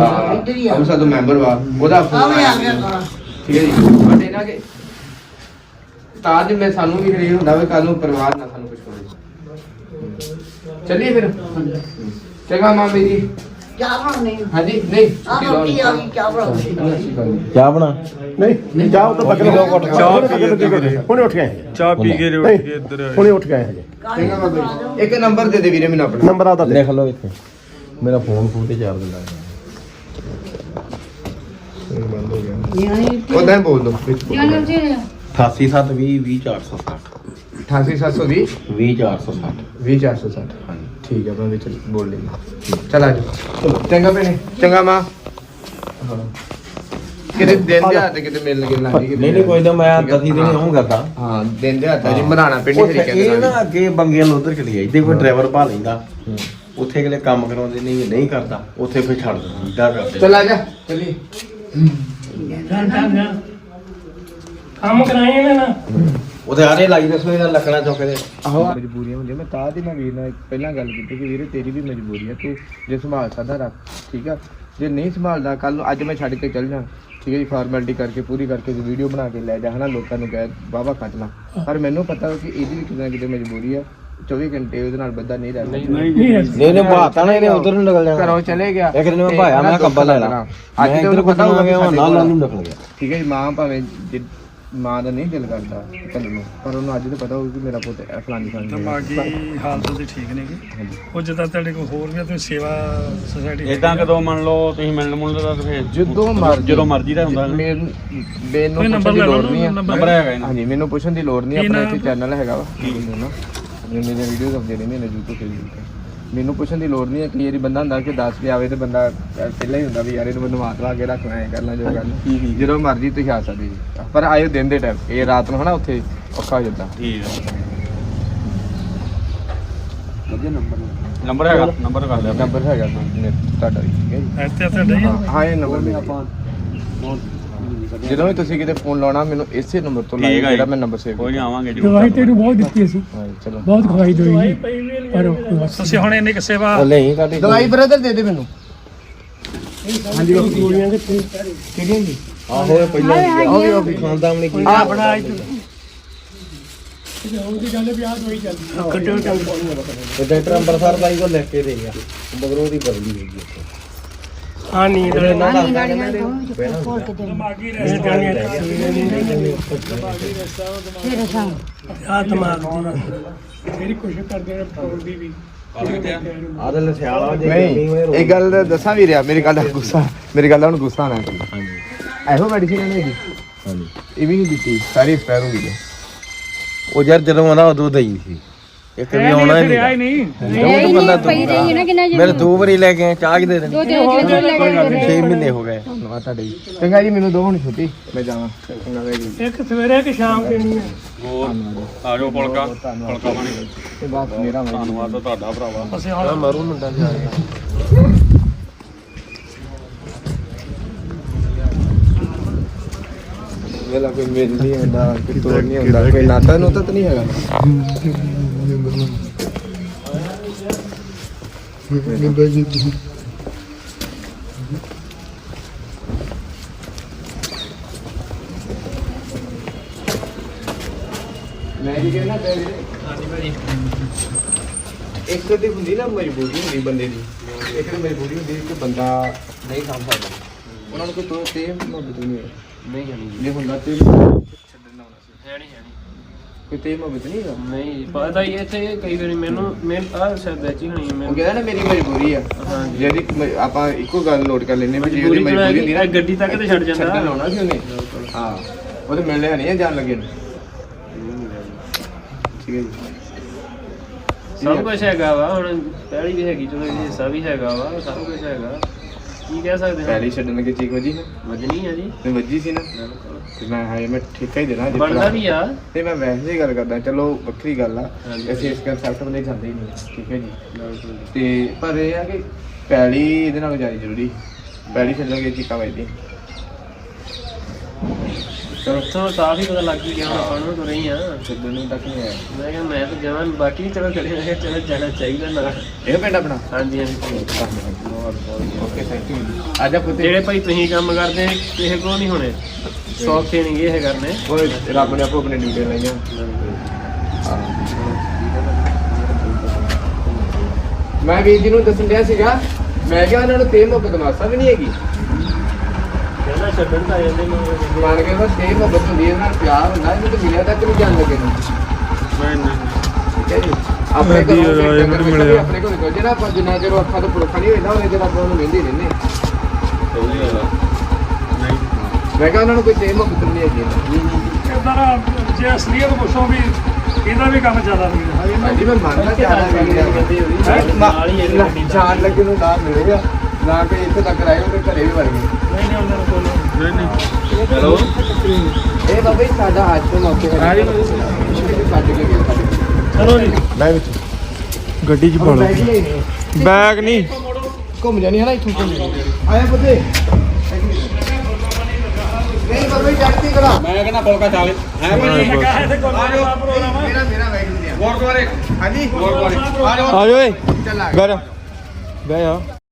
Speaker 1: ਅਮਸਾ ਤੋਂ ਮੈਂਬਰ ਵਾ ਉਹਦਾ ਫੋਨ
Speaker 10: ਆਵੇ ਆ
Speaker 1: ਆਇਆ
Speaker 10: ਗਿਆ
Speaker 1: ਮੈਨੂੰ।
Speaker 10: ਕਾਲਾ
Speaker 1: ਠੀਕ ਹੈ ਜੀ ਬਟ ਇਹਨਾਂ ਕੇ ਤਾਂ ਜੇ ਮੈਂ ਸਾਨੂੰ ਵੀ ਖਰੀਦ ਹੁੰਦਾ ਵੇ ਕੱਲ ਨੂੰ ਪਰਿਵਾਰ ਨਾ ਸਾਨੂੰ ਕੁਝ ਹੋਵੇ ਚੱਲੀਏ ਫਿਰ ਚੰਗਾ ਮਾਮੀ ਜੀ
Speaker 10: ਚਾਹ ਬਣਾਉਣੀ
Speaker 1: ਹਾਂਜੀ ਨਹੀਂ
Speaker 10: ਆ ਰੋਟੀ ਆ ਗਈ ਚਾਹ ਬਣਾਉਣੀ
Speaker 9: ਚਾਹ ਬਣਾ
Speaker 2: ਨਹੀਂ ਚਾਹ ਤਾਂ ਬੱਕਰੀ ਦੋ ਘੁੱਟ
Speaker 6: ਚਾਹ ਪੀ ਕੇ ਤੇ
Speaker 2: ਹੁਣੇ ਉੱਠ ਗਏ
Speaker 6: ਚਾਹ ਪੀ ਕੇ ਉੱਠ ਕੇ ਇੱਧਰ ਆਏ।
Speaker 2: ਹੁਣੇ ਉੱਠ ਗਏ ਹਜੇ
Speaker 1: ਚੰਗਾ ਬਾਬਾ ਜੀ ਇੱਕ ਨੰਬਰ ਦੇ ਦੇ ਵੀਰੇ ਮੈਨੂੰ ਆਪਣਾ
Speaker 2: ਨੰਬਰ ਆਦਾ
Speaker 9: ਲਿਖ ਲਓ ਇੱਥੇ ਮੇਰਾ ਫੋਨ ਫੋਨ ਤੇ ਚਾਰਜ ਲਾ
Speaker 1: ਬੰਦ ਹੋ ਗਿਆ
Speaker 10: ਯਾਨੀ
Speaker 1: ਉਹਦਾ ਬੋਲ ਦੋ ਵਿੱਚ ਬੋਲ ਦਿਓ।
Speaker 9: ਅਠਾਸੀ ਸੱਤ ਵੀਹ ਵੀਹ ਚਾਰ ਸੌ ਸੱਠ
Speaker 1: ਅਠਾਸੀ ਸੱਤ ਸੌ ਵੀਹ
Speaker 9: ਵੀਹ ਚਾਰ ਸੌ ਸੱਠ
Speaker 1: ਵੀਹ ਚਾਰ ਸੌ ਸੱਠ ਹਾਂਜੀ ਠੀਕ ਹੈ ਮੈਂ ਵਿੱਚ ਬੋਲ ਲੈਂਦਾ ਚਲ ਆ ਜਾ ਚੰਗਾ ਭੈਣੇ ਚੰਗਾ ਮਾਂ ਹਾਂ ਕਿਤੇ ਦਿਨ ਦੇ ਹੱਥ ਕਿਤੇ ਮਿਲਣ ਗਿਲਣ ਲੱਗੀ
Speaker 9: ਨਹੀਂ ਨਹੀਂ ਕੋਈ ਨਾ ਮੈਂ ਦਸੀ ਦਿਨ ਆਉਂਗਾ ਤਾਂ
Speaker 1: ਹਾਂ ਦਿਨ ਦੇ ਹੱਥ ਜੀ ਮਰਾਣਾ ਪਿੰਡੀ
Speaker 9: ਉੱਥੇ
Speaker 1: ਤਰੀਕੇ
Speaker 9: ਇਹ
Speaker 1: ਨਾਲ
Speaker 9: ਨਾ ਅੱਗੇ ਬੰਗਿਆਂ ਨੂੰ ਉਧਰ ਚਲੀ ਜਾਈਦੇ ਕੋਈ ਡਰਾਈਵਰ ਭਾ ਲੈਂਦਾ ਉੱਥੇ ਅਗਲੇ ਕੰਮ ਕਰਾਉਂਦੇ ਨਹੀਂ ਨਹੀਂ ਕਰਦਾ ਉੱਥੇ ਫਿਰ ਛੱਡ ਦਿੰਦਾ ਇਦਾਂ ਕਰਦੇ
Speaker 1: ਚਲ ਆ ਜਾ ਚਲੀ
Speaker 8: ਕੰਮ ਕਰਾਏ ਨੇ ਨਾ
Speaker 9: ਉਹਦੇ ਆਰੇ ਲਾਈ ਦੱਸੋ ਇਹਦਾ ਲੱਕੜਾਂ ਚੁੱਕਦੇ
Speaker 1: ਆਹੋ ਮਜਬੂਰੀਆਂ ਹੁੰਦੀਆਂ ਮੈਂ ਤਾਂ ਦੀ ਮੈਂ ਵੀਰ ਨਾਲ ਪਹਿਲਾਂ ਗੱਲ ਕੀਤੀ ਕਿ ਵੀਰੇ ਤੇਰੀ ਵੀ ਮਜਬੂਰੀ ਹੈ ਤੂੰ ਜੇ ਸੰਭਾਲ ਸਕਦਾ ਰੱਖ ਠੀਕ ਆ ਜੇ ਨਹੀਂ ਸੰਭਾਲਦਾ ਕੱਲ ਨੂੰ ਅੱਜ ਮੈਂ ਛੱਡ ਕੇ ਚੱਲ ਜਾ ਠੀਕ ਹੈ ਜੀ ਫਾਰਮੈਲਿਟੀ ਕਰਕੇ ਪੂਰੀ ਕਰਕੇ ਵੀਡੀਓ ਬਣਾ ਕੇ ਲੈ ਜਾ ਹਨਾ ਲੋਕਾਂ ਨੂੰ ਕਹਿ ਵਾਹਵਾ ਕੱਟ ਲਾ ਪਰ ਮੈਨੂੰ ਪਤਾ ਕਿ ਇਹਦੀ ਵੀ ਕਿਤੇ ਨਾ ਕਿਤੇ ਮਜਬੂਰੀ ਆ ਚੌਵੀ ਘੰਟੇ ਉਹਦੇ ਨਾਲ ਬੰਦਾ ਨਹੀਂ ਰਹਿੰਦਾ
Speaker 9: ਨਹੀਂ ਨਹੀਂ ਭਾਤਾ ਨਾ ਇਹਨੇ ਉਧਰ ਨੂੰ ਨਿਕਲ ਜਾਣਾ
Speaker 1: ਘਰੋਂ ਚਲੇ ਗਿਆ
Speaker 9: ਇੱਕ ਦਿਨ ਮੈਂ ਭਾਇਆ ਮੈਂ ਕੰਬਲ ਲੈ ਲਾ
Speaker 1: ਅੱਜ ਤੇ ਉਹਨੂੰ ਪਤਾ ਹੋਊਗਾ
Speaker 9: ਗਿਆ ਨਾਲ ਨਾਲ ਨੂੰ ਨਿਕਲ ਗਿਆ
Speaker 1: ਠੀਕ ਹੈ ਜੀ ਮਾਂ ਭਾਵੇਂ ਜਿ- ਮਾਂ ਦਾ ਨਹੀਂ ਦਿਲ ਕਰਦਾ ਕੱਲ ਨੂੰ ਪਰ ਉਹਨੂੰ ਅੱਜ ਤਾਂ ਪਤਾ ਹੋਊ ਕਿ ਮੇਰਾ ਪੁੱਤ ਇਹ ਫਲਾਨੀ ਫਲਾਨੀ ਜਗ੍ਹਾ।
Speaker 8: ਦਿਮਾਗੀ ਹਾਲਤ ਉਹਦੀ ਠੀਕ ਨਹੀਂਗੀ ਉਹ ਜਿੱਦਾਂ ਤੁਹਾਡੇ ਕੋਲ ਹੋਰ ਵੀ ਆ ਤੁਸੀਂ ਸੇਵਾ ਸੁਸਾਇਟੀ
Speaker 5: ਇਦਾਂ ਕਦੋਂ ਮੰਨ ਲਓ ਤੁਸੀਂ ਮਿਲਣ ਮੁਲਣ ਦਾ ਫਿਰ
Speaker 1: ਜਦੋਂ ਮਰਜ਼ੀ
Speaker 5: ਜਦੋਂ ਮਰਜ਼ੀ ਦਾ ਹੁੰਦਾ ਨਾ।
Speaker 1: ਮੈਨੂੰ ਮੈਨੂੰ
Speaker 8: ਕੋਈ ਨੰਬਰ
Speaker 1: ਪੁੱਛਣ ਦੀ
Speaker 8: ਲੈ
Speaker 1: ਲੋੜ
Speaker 8: ਲਓ
Speaker 1: ਨਹੀਂ ਹੈ
Speaker 5: ਨੰਬਰ ਹੈਗਾ ਇਹਨਾਂ
Speaker 1: ਹਾਂਜੀ ਮੈਨੂੰ ਪੁੱਛਣ ਦੀ ਲੋੜ ਨਹੀਂ
Speaker 8: ਕੀ
Speaker 1: ਆਪਣਾ
Speaker 8: ਨਾਮ
Speaker 1: ਇੱਥੇ ਚੈਨਲ ਹੈਗਾ ਵਾ ਮੈਨੂੰ ਨਾ ਆਪਣੇ ਮੇਰੇ ਵੀਡੀਓਜ਼ ਆਉਂਦੇ ਰਹਿੰਦੇ ਨੇ YouTube ਤੇ ਮੈਨੂੰ ਪੁੱਛਣ ਦੀ ਲੋੜ ਨਹੀਂ ਹੈ ਕਿ ਯਾਰੀ ਬੰਦਾ ਹੁੰਦਾ ਕਿ ਦੱਸ ਕੇ ਆਵੇ ਤੇ ਬੰਦਾ ਪਹਿਲਾਂ ਹੀ ਹੁੰਦਾ ਵੀ ਯਾਰ ਇਹਨੂੰ ਮੈਨੂੰ ਮਾਤ ਲਾ ਕੇ ਰੱਖਣਾ ਹੈ ਕਰਨਾ ਜੋ ਕਰਨਾ ਜਦੋਂ ਮਰਜ਼ੀ ਤੁਸੀਂ ਆ ਸਕਦੇ ਜੀ ਪਰ ਆਇਓ ਦਿਨ ਦੇ ਟਾਈਮ ਇਹ ਰਾਤ ਨੂੰ ਹਨਾ ਉੱਥੇ ਔਖਾ ਹੋ ਜਾਂਦਾ
Speaker 5: ਠੀਕ ਹੈ ਨੰਬਰ ਹੈਗਾ ਨੰਬਰ ਕਰ ਲਿਆ
Speaker 1: ਨੰਬਰ ਹੈਗਾ ਮੇਰੇ- ਤੁਹਾਡਾ ਵੀ, ਠੀਕ ਹੈ ਜੀ
Speaker 8: ਇੱਥੇ ਤੁਹਾਡੇ
Speaker 1: ਹਾਂ, ਹਾਂ ਇਹ ਨੰਬਰ ਮੇਰਾ ਜਦੋਂ ਵੀ ਤੁਸੀਂ ਕਿਤੇ ਫੋਨ ਲਾਉਣਾ ਮੈਨੂੰ ਇਸੇ ਨੰਬਰ ਤੋਂ ਲਾਇਓ
Speaker 5: ਠੀਕ ਹੈ
Speaker 1: ਜਿਹੜਾ
Speaker 5: ਜੀ।
Speaker 1: ਮੈਂ ਨੰਬਰ ਸੇਵ
Speaker 5: ਕੋਈ ਨਹੀਂ ਆਵਾਂਗੇ ਜੀ
Speaker 4: ਦਵਾਈ ਤੈਨੂੰ ਬਹੁਤ ਦਿੱਤੀ ਅਸੀਂ
Speaker 1: ਹਾਂ ਚਲੋ
Speaker 4: ਬਹੁਤ ਖਵਾਈ ਦੋਈ ਪਰ
Speaker 8: ਤੁਸੀਂ ਹੁਣ ਇੰਨੀ ਕਿ ਸੇਵਾ
Speaker 7: ਨਹੀਂ ਤੁਹਾਡੀ
Speaker 1: ਦਵਾਈ ਬ੍ਰਦਰ ਦੇ ਦੇ ਮੈਨੂੰ
Speaker 8: ਗੋਲੀਆਂ ਕਿੱਥੇ
Speaker 1: ਕਿਹੜੀਆਂ ਜੀ
Speaker 7: ਆਹੋ ਪਹਿਲਾਂ ਆਹ ਵੀ ਉਹ ਖਾਂਦਾ ਨਹੀਂ ਕੀ
Speaker 8: ਆ ਬਣਾ ਇੱਥੇ
Speaker 4: ਉਹਦੀ ਗੱਲ ਵੀ ਆ ਦੋਈ ਚੱਲਦੀ
Speaker 8: ਕੱਟੋ ਚੱਲ
Speaker 7: ਤੇ ਡਾਕਟਰ ਅੰਬਰਸਰ ਬਾਈ ਕੋਲ ਲੈ ਕੇ ਦੇ ਗਿਆ ਬਗਰੋ ਦੀ ਬਦਲੀ ਹੈਗੀ ਉੱਥੇ
Speaker 8: ਆ ਨੀਂਦ ਵਾਲੇ
Speaker 7: ਨਾ
Speaker 10: ਆਨੀ ਗਾੜੀਆਂ ਤੋਂ ਖੋਲ ਕੇ ਦੇ
Speaker 8: ਦਿਮਾਗੀ ਰਹਿ ਜਾਣੀਆਂ
Speaker 10: ਫਿਰ ਸ਼ਾਮ
Speaker 8: ਆ ਦਿਮਾਗ ਦੀ
Speaker 4: ਮੇਰੀ ਕੋਸ਼ਿਸ਼ ਕਰਦੇ ਨੇ ਪਟਰੋਲ ਦੀ ਵੀ
Speaker 7: ਆਦਲ ਲਸਿਆਲਾ ਜੇ
Speaker 1: ਨਹੀਂ ਇਹ ਗੱਲ ਦੱਸਾਂ ਵੀ ਰਿਹਾ ਮੇਰੀ ਗੱਲ ਦਾ ਗੁੱਸਾ ਮੇਰੀ ਗੱਲ ਦਾ ਹੁਣ ਗੁੱਸਾ ਨਾ ਕਰੋ
Speaker 7: ਹਾਂਜੀ
Speaker 1: ਇਹੋ ਮੈਡੀਸਿਨ ਨਹੀਂ ਹੈਗੀ
Speaker 7: ਹਾਂਜੀ
Speaker 1: ਇਹ ਵੀ ਨਹੀਂ ਦਿੱਤੀ ਸਾਰੀ ਐਕਸਪਾਇਰ ਹੋ ਗਈ ਹੈ
Speaker 7: ਉਹ ਯਾਰ ਜਦੋਂ ਆਣਾ ਉਦੋਂ ਦਈ ਸੀ ਇੱਕ ਵੀ ਆਉਣਾ ਹੀ ਨਹੀਂ
Speaker 10: ਨਹੀਂ ਬੰਦਾ ਪਈ ਰਹੀ ਨਾ ਕਿੰਨਾ
Speaker 7: ਮੇਰੇ ਦੋ ਵਾਰੀ ਲੈ ਕੇ ਆਏ, ਚਾਹ ਦੇ ਦੇਣੀ
Speaker 10: ਦੋ ਦਿਨ ਜਦੋਂ ਲੈ ਕੇ
Speaker 7: ਛੇ ਮਹੀਨੇ ਹੋ ਗਏ
Speaker 1: ਧੰਨਵਾਦ ਤੁਹਾਡਾ ਜੀ ਚੰਗਾ ਜੀ ਮੈਨੂੰ ਦੋ ਹੁਣ ਛੁੱਟੀ ਮੈਂ ਜਾਵਾਂ ਚੰਗਾ ਵੈਰੀ
Speaker 8: ਇੱਕ ਸਵੇਰੇ ਇੱਕ ਸ਼ਾਮ ਦੇਣੀ ਹੈ
Speaker 5: ਹੋਰ ਆ ਜਾਓ ਪੁਲਕਾ ਪੁਲਕਾ ਪਾਣੀ
Speaker 1: ਇਹ ਬਾਤ ਮੇਰਾ ਮੈਂ
Speaker 5: ਧੰਨਵਾਦ ਤਾਂ ਤੁਹਾਡਾ ਭਰਾਵਾ
Speaker 8: ਅਸੀਂ ਹੁਣ
Speaker 7: ਮਰੂ ਮੁੰਡਾ ਜਾ ਰਿਹਾ
Speaker 1: ਵੇਲਾ ਕੋਈ ਮੇਲ ਨਹੀਂ ਹੁੰਦਾ ਕੋਈ ਤੋੜ ਨਹੀਂ ਹੁੰਦਾ ਕੋਈ ਨਾਤਾ ਨੂਤਾ ਤਾਂ ਨਹੀਂ ਹੈਗਾ ਮੈਂ ਕੀ ਕਹਿਣਾ ਹਾਂਜੀ ਭਾਜੀ ਇੱਕ ਤੇ ਹੁੰਦੀ ਨਾ ਮਜਬੂਰੀ ਹੁੰਦੀ ਬੰਦੇ ਦੀ ਇੱਕ ਤੇ ਮਜਬੂਰੀ ਹੁੰਦੀ ਕਿ ਬੰਦਾ ਨਹੀਂ ਸਾਂਭ ਸਕਦਾ ਉਹਨਾਂ ਨੂੰ ਕੋਈ ਤੋਂ ਤੇ ਮੁਹੱਬਤ ਨਹੀਂ ਹੈ
Speaker 3: ਨਹੀਂ ਜਾਣੀ
Speaker 1: ਜੇ ਹੁੰਦਾ ਤੇ ਛੱਡਣਾ ਹੋਣਾ ਸੀ
Speaker 3: ਹੈ ਨਹੀਂ ਹੈ ਨਹੀਂ
Speaker 1: ਕੋਈ ਤੇ ਮੁਹੱਬਤ ਨਹੀਂ ਹੈਗਾ
Speaker 3: ਨਹੀਂ ਪਤਾ ਹੀ ਇੱਥੇ ਕਈ ਵਾਰੀ ਮੈਨੂੰ ਮੈਂ ਆ ਸ਼ਾਇਦ ਵਿੱਚ ਹੀ ਹੋਣੀ ਹੈ
Speaker 1: ਉਹ
Speaker 3: ਮੈਨੂੰ
Speaker 1: ਕਹਿੰਦਾ ਨਾ ਮੇਰੀ ਮਜਬੂਰੀ ਆ
Speaker 3: ਹਾਂਜੀ।
Speaker 1: ਜਿਹੜੀ ਮ- ਆਪਾਂ ਇੱਕੋ ਗੱਲ ਨੋਟ ਕਰ ਲੈਨੇ ਵੀ ਜੇ
Speaker 3: ਮਜਬੂਰੀ
Speaker 1: ਉਹਦੀ ਮਜਬੂਰੀ ਹੁੰਦੀ ਨਾ
Speaker 3: ਗੱਡੀ ਤੱਕ ਤੇ ਛੱਡ ਜਾਂਦਾ
Speaker 1: ਛੱਡਣ ਲਾਉਣਾ ਸੀ ਉਹਨੇ ਹਾਂ ਉਹਦੇ ਮਿਲਣੇ ਨਹੀਂ ਆ ਜਾਣ ਲੱਗੇ ਨੂੰ ਠੀਕ ਹੈ ਜੀ
Speaker 3: ਸਭ ਕੁਝ ਹੈਗਾ ਵਾ ਹੁਣ ਪਹਿਲੀ ਵੀ ਹੈਗੀ ਚਲੋ ਇਹ ਹਿੱਸਾ ਵੀ ਹੈਗਾ ਵਾ ਸਭ ਕੁਝ ਹੈਗਾ ਕੀ ਕਹਿ ਸਕਦੇ ਹਾਂ
Speaker 1: ਪਹਿਲੀ ਛੱਡਣ ਲੱਗੇ ਚੀਕ ਵਜੀ ਨਾ
Speaker 3: ਵਜਣੀ ਹੈ ਜੀ
Speaker 1: ਤੇ ਵੱਜੀ ਸੀ ਨਾ ਤੇ ਮੈਂ ਹਾਏ ਮੈਂ ਠੇਕਾ ਹੀ ਦੇਣਾ ਜੇ
Speaker 3: ਬਣਦਾ
Speaker 1: ਭਰਾ-
Speaker 3: ਵੀ ਆ
Speaker 1: ਤੇ ਮੈਂ ਵੈਸੇ ਹੀ ਗੱਲ ਕਰਦਾ ਚਲੋ ਵੱਖਰੀ ਗੱਲ ਆ
Speaker 3: ਹਾਂਜੀ।
Speaker 1: ਅਸੀਂ ਇਸ ਕਨਸੈਪਟ ਬੰਦੇ ਜਾਂਦੇ ਹੀ ਨਹੀਂ ਠੀਕ ਹੈ ਜੀ ਤੇ ਪਰ ਇਹ ਆ ਕਿ ਪੈਲੀ ਇਹਦੇ ਨਾਲ ਜਾਣੀ ਜ਼ਰੂਰੀ ਪੈਲੀ ਛੱਡਣਗੇ ਚੀਕਾਂ ਵੱਜਦੀ ਚਲੋ
Speaker 3: ਉੱਥੋਂ ਸਾਫ ਹੀ ਪਤਾ ਲੱਗ ਹੀ ਗਿਆ ਹੁਣ ਆਪਾਂ ਨੂੰ ਤੁਰੇ ਹੀ ਆ
Speaker 1: ਛੱਡਣ ਨੂੰ ਤੱਕ ਨਹੀਂ ਆਇਆ
Speaker 3: ਮੈਂ ਕਿਹਾ ਮੈਂ ਤਾਂ ਜਵਾਨ ਬਾਕੀ ਚਲੋ ਕਰੇ ਮੈਂ ਕਿਹਾ ਚਲੋ ਜਾਣਾ ਚਾਹੀਦਾ ਨਾ
Speaker 1: ਇਹ ਪਿੰਡ ਆਪਣਾ
Speaker 3: ਹਾਂਜੀ ਹਾਂਜੀ
Speaker 1: ਓਕੇ ਥੈਂਕ ਯੂ ਆਜਾ ਪੁੱਤੇ
Speaker 3: ਜਿਹੜੇ ਭਾਈ ਤੁਸੀਂ ਕੰਮ ਕਰਦੇ ਕਿਸੇ ਕੋਲ ਨਹੀਂ ਹੋਣੇ ਸੌਖੇ ਨਹੀਂ ਇਹ ਕਰਨੇ
Speaker 1: ਓਏ ਰੱਬ ਨੇ ਆਪੋ ਆਪਣੇ ਡਿਊਟੀ ਲਾਈਆਂ ਮੈਂ ਵੀਰ ਜੀ ਨੂੰ ਦੱਸਣ ਡਿਆ ਸੀਗਾ ਮੈਂ ਕਿਹਾ ਉਹਨਾਂ ਨੂੰ ਤੇ ਮੁਹੱਬਤ ਮਾਸਾ ਵੀ ਨਹੀਂ ਹੈਗੀ
Speaker 3: ਕਹਿੰਦਾ ਛੱਡਣ ਤਾਂ ਜਾਂਦੇ ਨੂੰ
Speaker 1: ਮੰਨ ਕੇ ਬਸ ਤੇ ਮੁਹੱਬਤ ਹੁੰਦੀ ਹੈ ਨਾਲ ਪਿਆਰ ਹੁੰਦਾ ਇਹਨੂੰ ਤਾਂ ਮਿਲਿਆ ਤੱਕ ਨਹੀਂ ਜਾਣ ਲੱਗੇ ਨੂੰ ਠੀਕ ਹੈ ਜੀ ਆਪਣੇ ਕੋਲ ਮਿਲਿਆ ਆਪਣੇ ਕੋਲ ਨਿਕਲ ਜਿਹੜਾ ਆਪਾਂ ਜਿੰਨਾ ਚਿਰ ਅੱਖਾਂ ਤੋਂ ਪੁਰਖਾ ਨਹੀਂ ਹੋਈਦਾ ਉਹਨੇ ਚਿਰ ਆਪਾਂ ਉਹਨੂੰ ਵੇਂਦੇ ਰਹਿੰਦੇ ਮੈਂ ਕਿਹਾ ਉਹਨਾਂ ਨੂੰ ਕੋਈ ਤੇ ਮੁਹੱਬਤ ਨਹੀਂ ਹੈਗੀ
Speaker 8: ਇਦਾਂ ਜੇ ਅਸਲੀਅਤ ਪੁੱਛੋ ਵੀ ਇਹਦਾ ਵੀ ਕੰਮ ਜ਼ਿਆਦਾ ਨਹੀਂ ਹੈ
Speaker 1: ਹਾਂਜੀ ਮੈਂ ਮੰਨਦਾ ਚਾਹਦਾ
Speaker 3: ਨਾਲ ਹੀ ਇਹ ਗੱਡੀ
Speaker 1: ਜਾਣ ਲੱਗੇ ਨੂੰ ਨਾ ਮਿਲੇਗਾ ਨਾ ਕਿ ਇੱਥੇ ਤੱਕ ਰਹਿ ਗਏ ਤੇ ਘਰੇ ਵੀ ਵੜ ਗਏ
Speaker 3: ਨਹੀਂ ਨਹੀਂ ਉਹਨਾਂ ਨੂੰ ਕੋਲ
Speaker 5: ਨਹੀਂ ਨਹੀਂ ਹੈਲੋ
Speaker 1: ਇਹ ਬਾਬਾ ਜੀ ਸਾਡਾ ਅੱਜ ਤੋਂ ਮੌਕੇ ਹੈ ਜੀ ਛੱਡ ਕੇ ਗਿਆ
Speaker 8: ਚਲੋ ਜੀ
Speaker 1: ਮੈਂ ਵਿੱਚ
Speaker 6: ਗੱਡੀ 'ਚ ਪਾ ਲਓ ਬੈਗ ਨਹੀਂ
Speaker 1: ਘੁੰਮ ਜਾਣੀ ਹੈ ਨਾ ਇੱਥੋਂ ਘੁੰਮ ਆਇਆ ਪੁੱਤੇ ਨਹੀਂ ਬਾਬਾ ਜੀ ਜੱਟੀ ਕਰਾ
Speaker 5: ਮੈਂ ਕਹਿੰਦਾ ਪੁਲਕਾ ਚਾਲੇ ਹੈ
Speaker 1: ਮੇਰਾ ਮੇਰਾ ਵੈਗ ਨਹੀਂ ਆ
Speaker 5: ਗੁਰਦੁਆਰੇ
Speaker 1: ਹਾਂਜੀ
Speaker 5: ਗੁਰਦੁਆਰੇ
Speaker 6: ਆ ਜਾ ਓਏ
Speaker 1: ਚੱਲ ਆ
Speaker 6: ਘਰ ਬਹਿ ਜਾ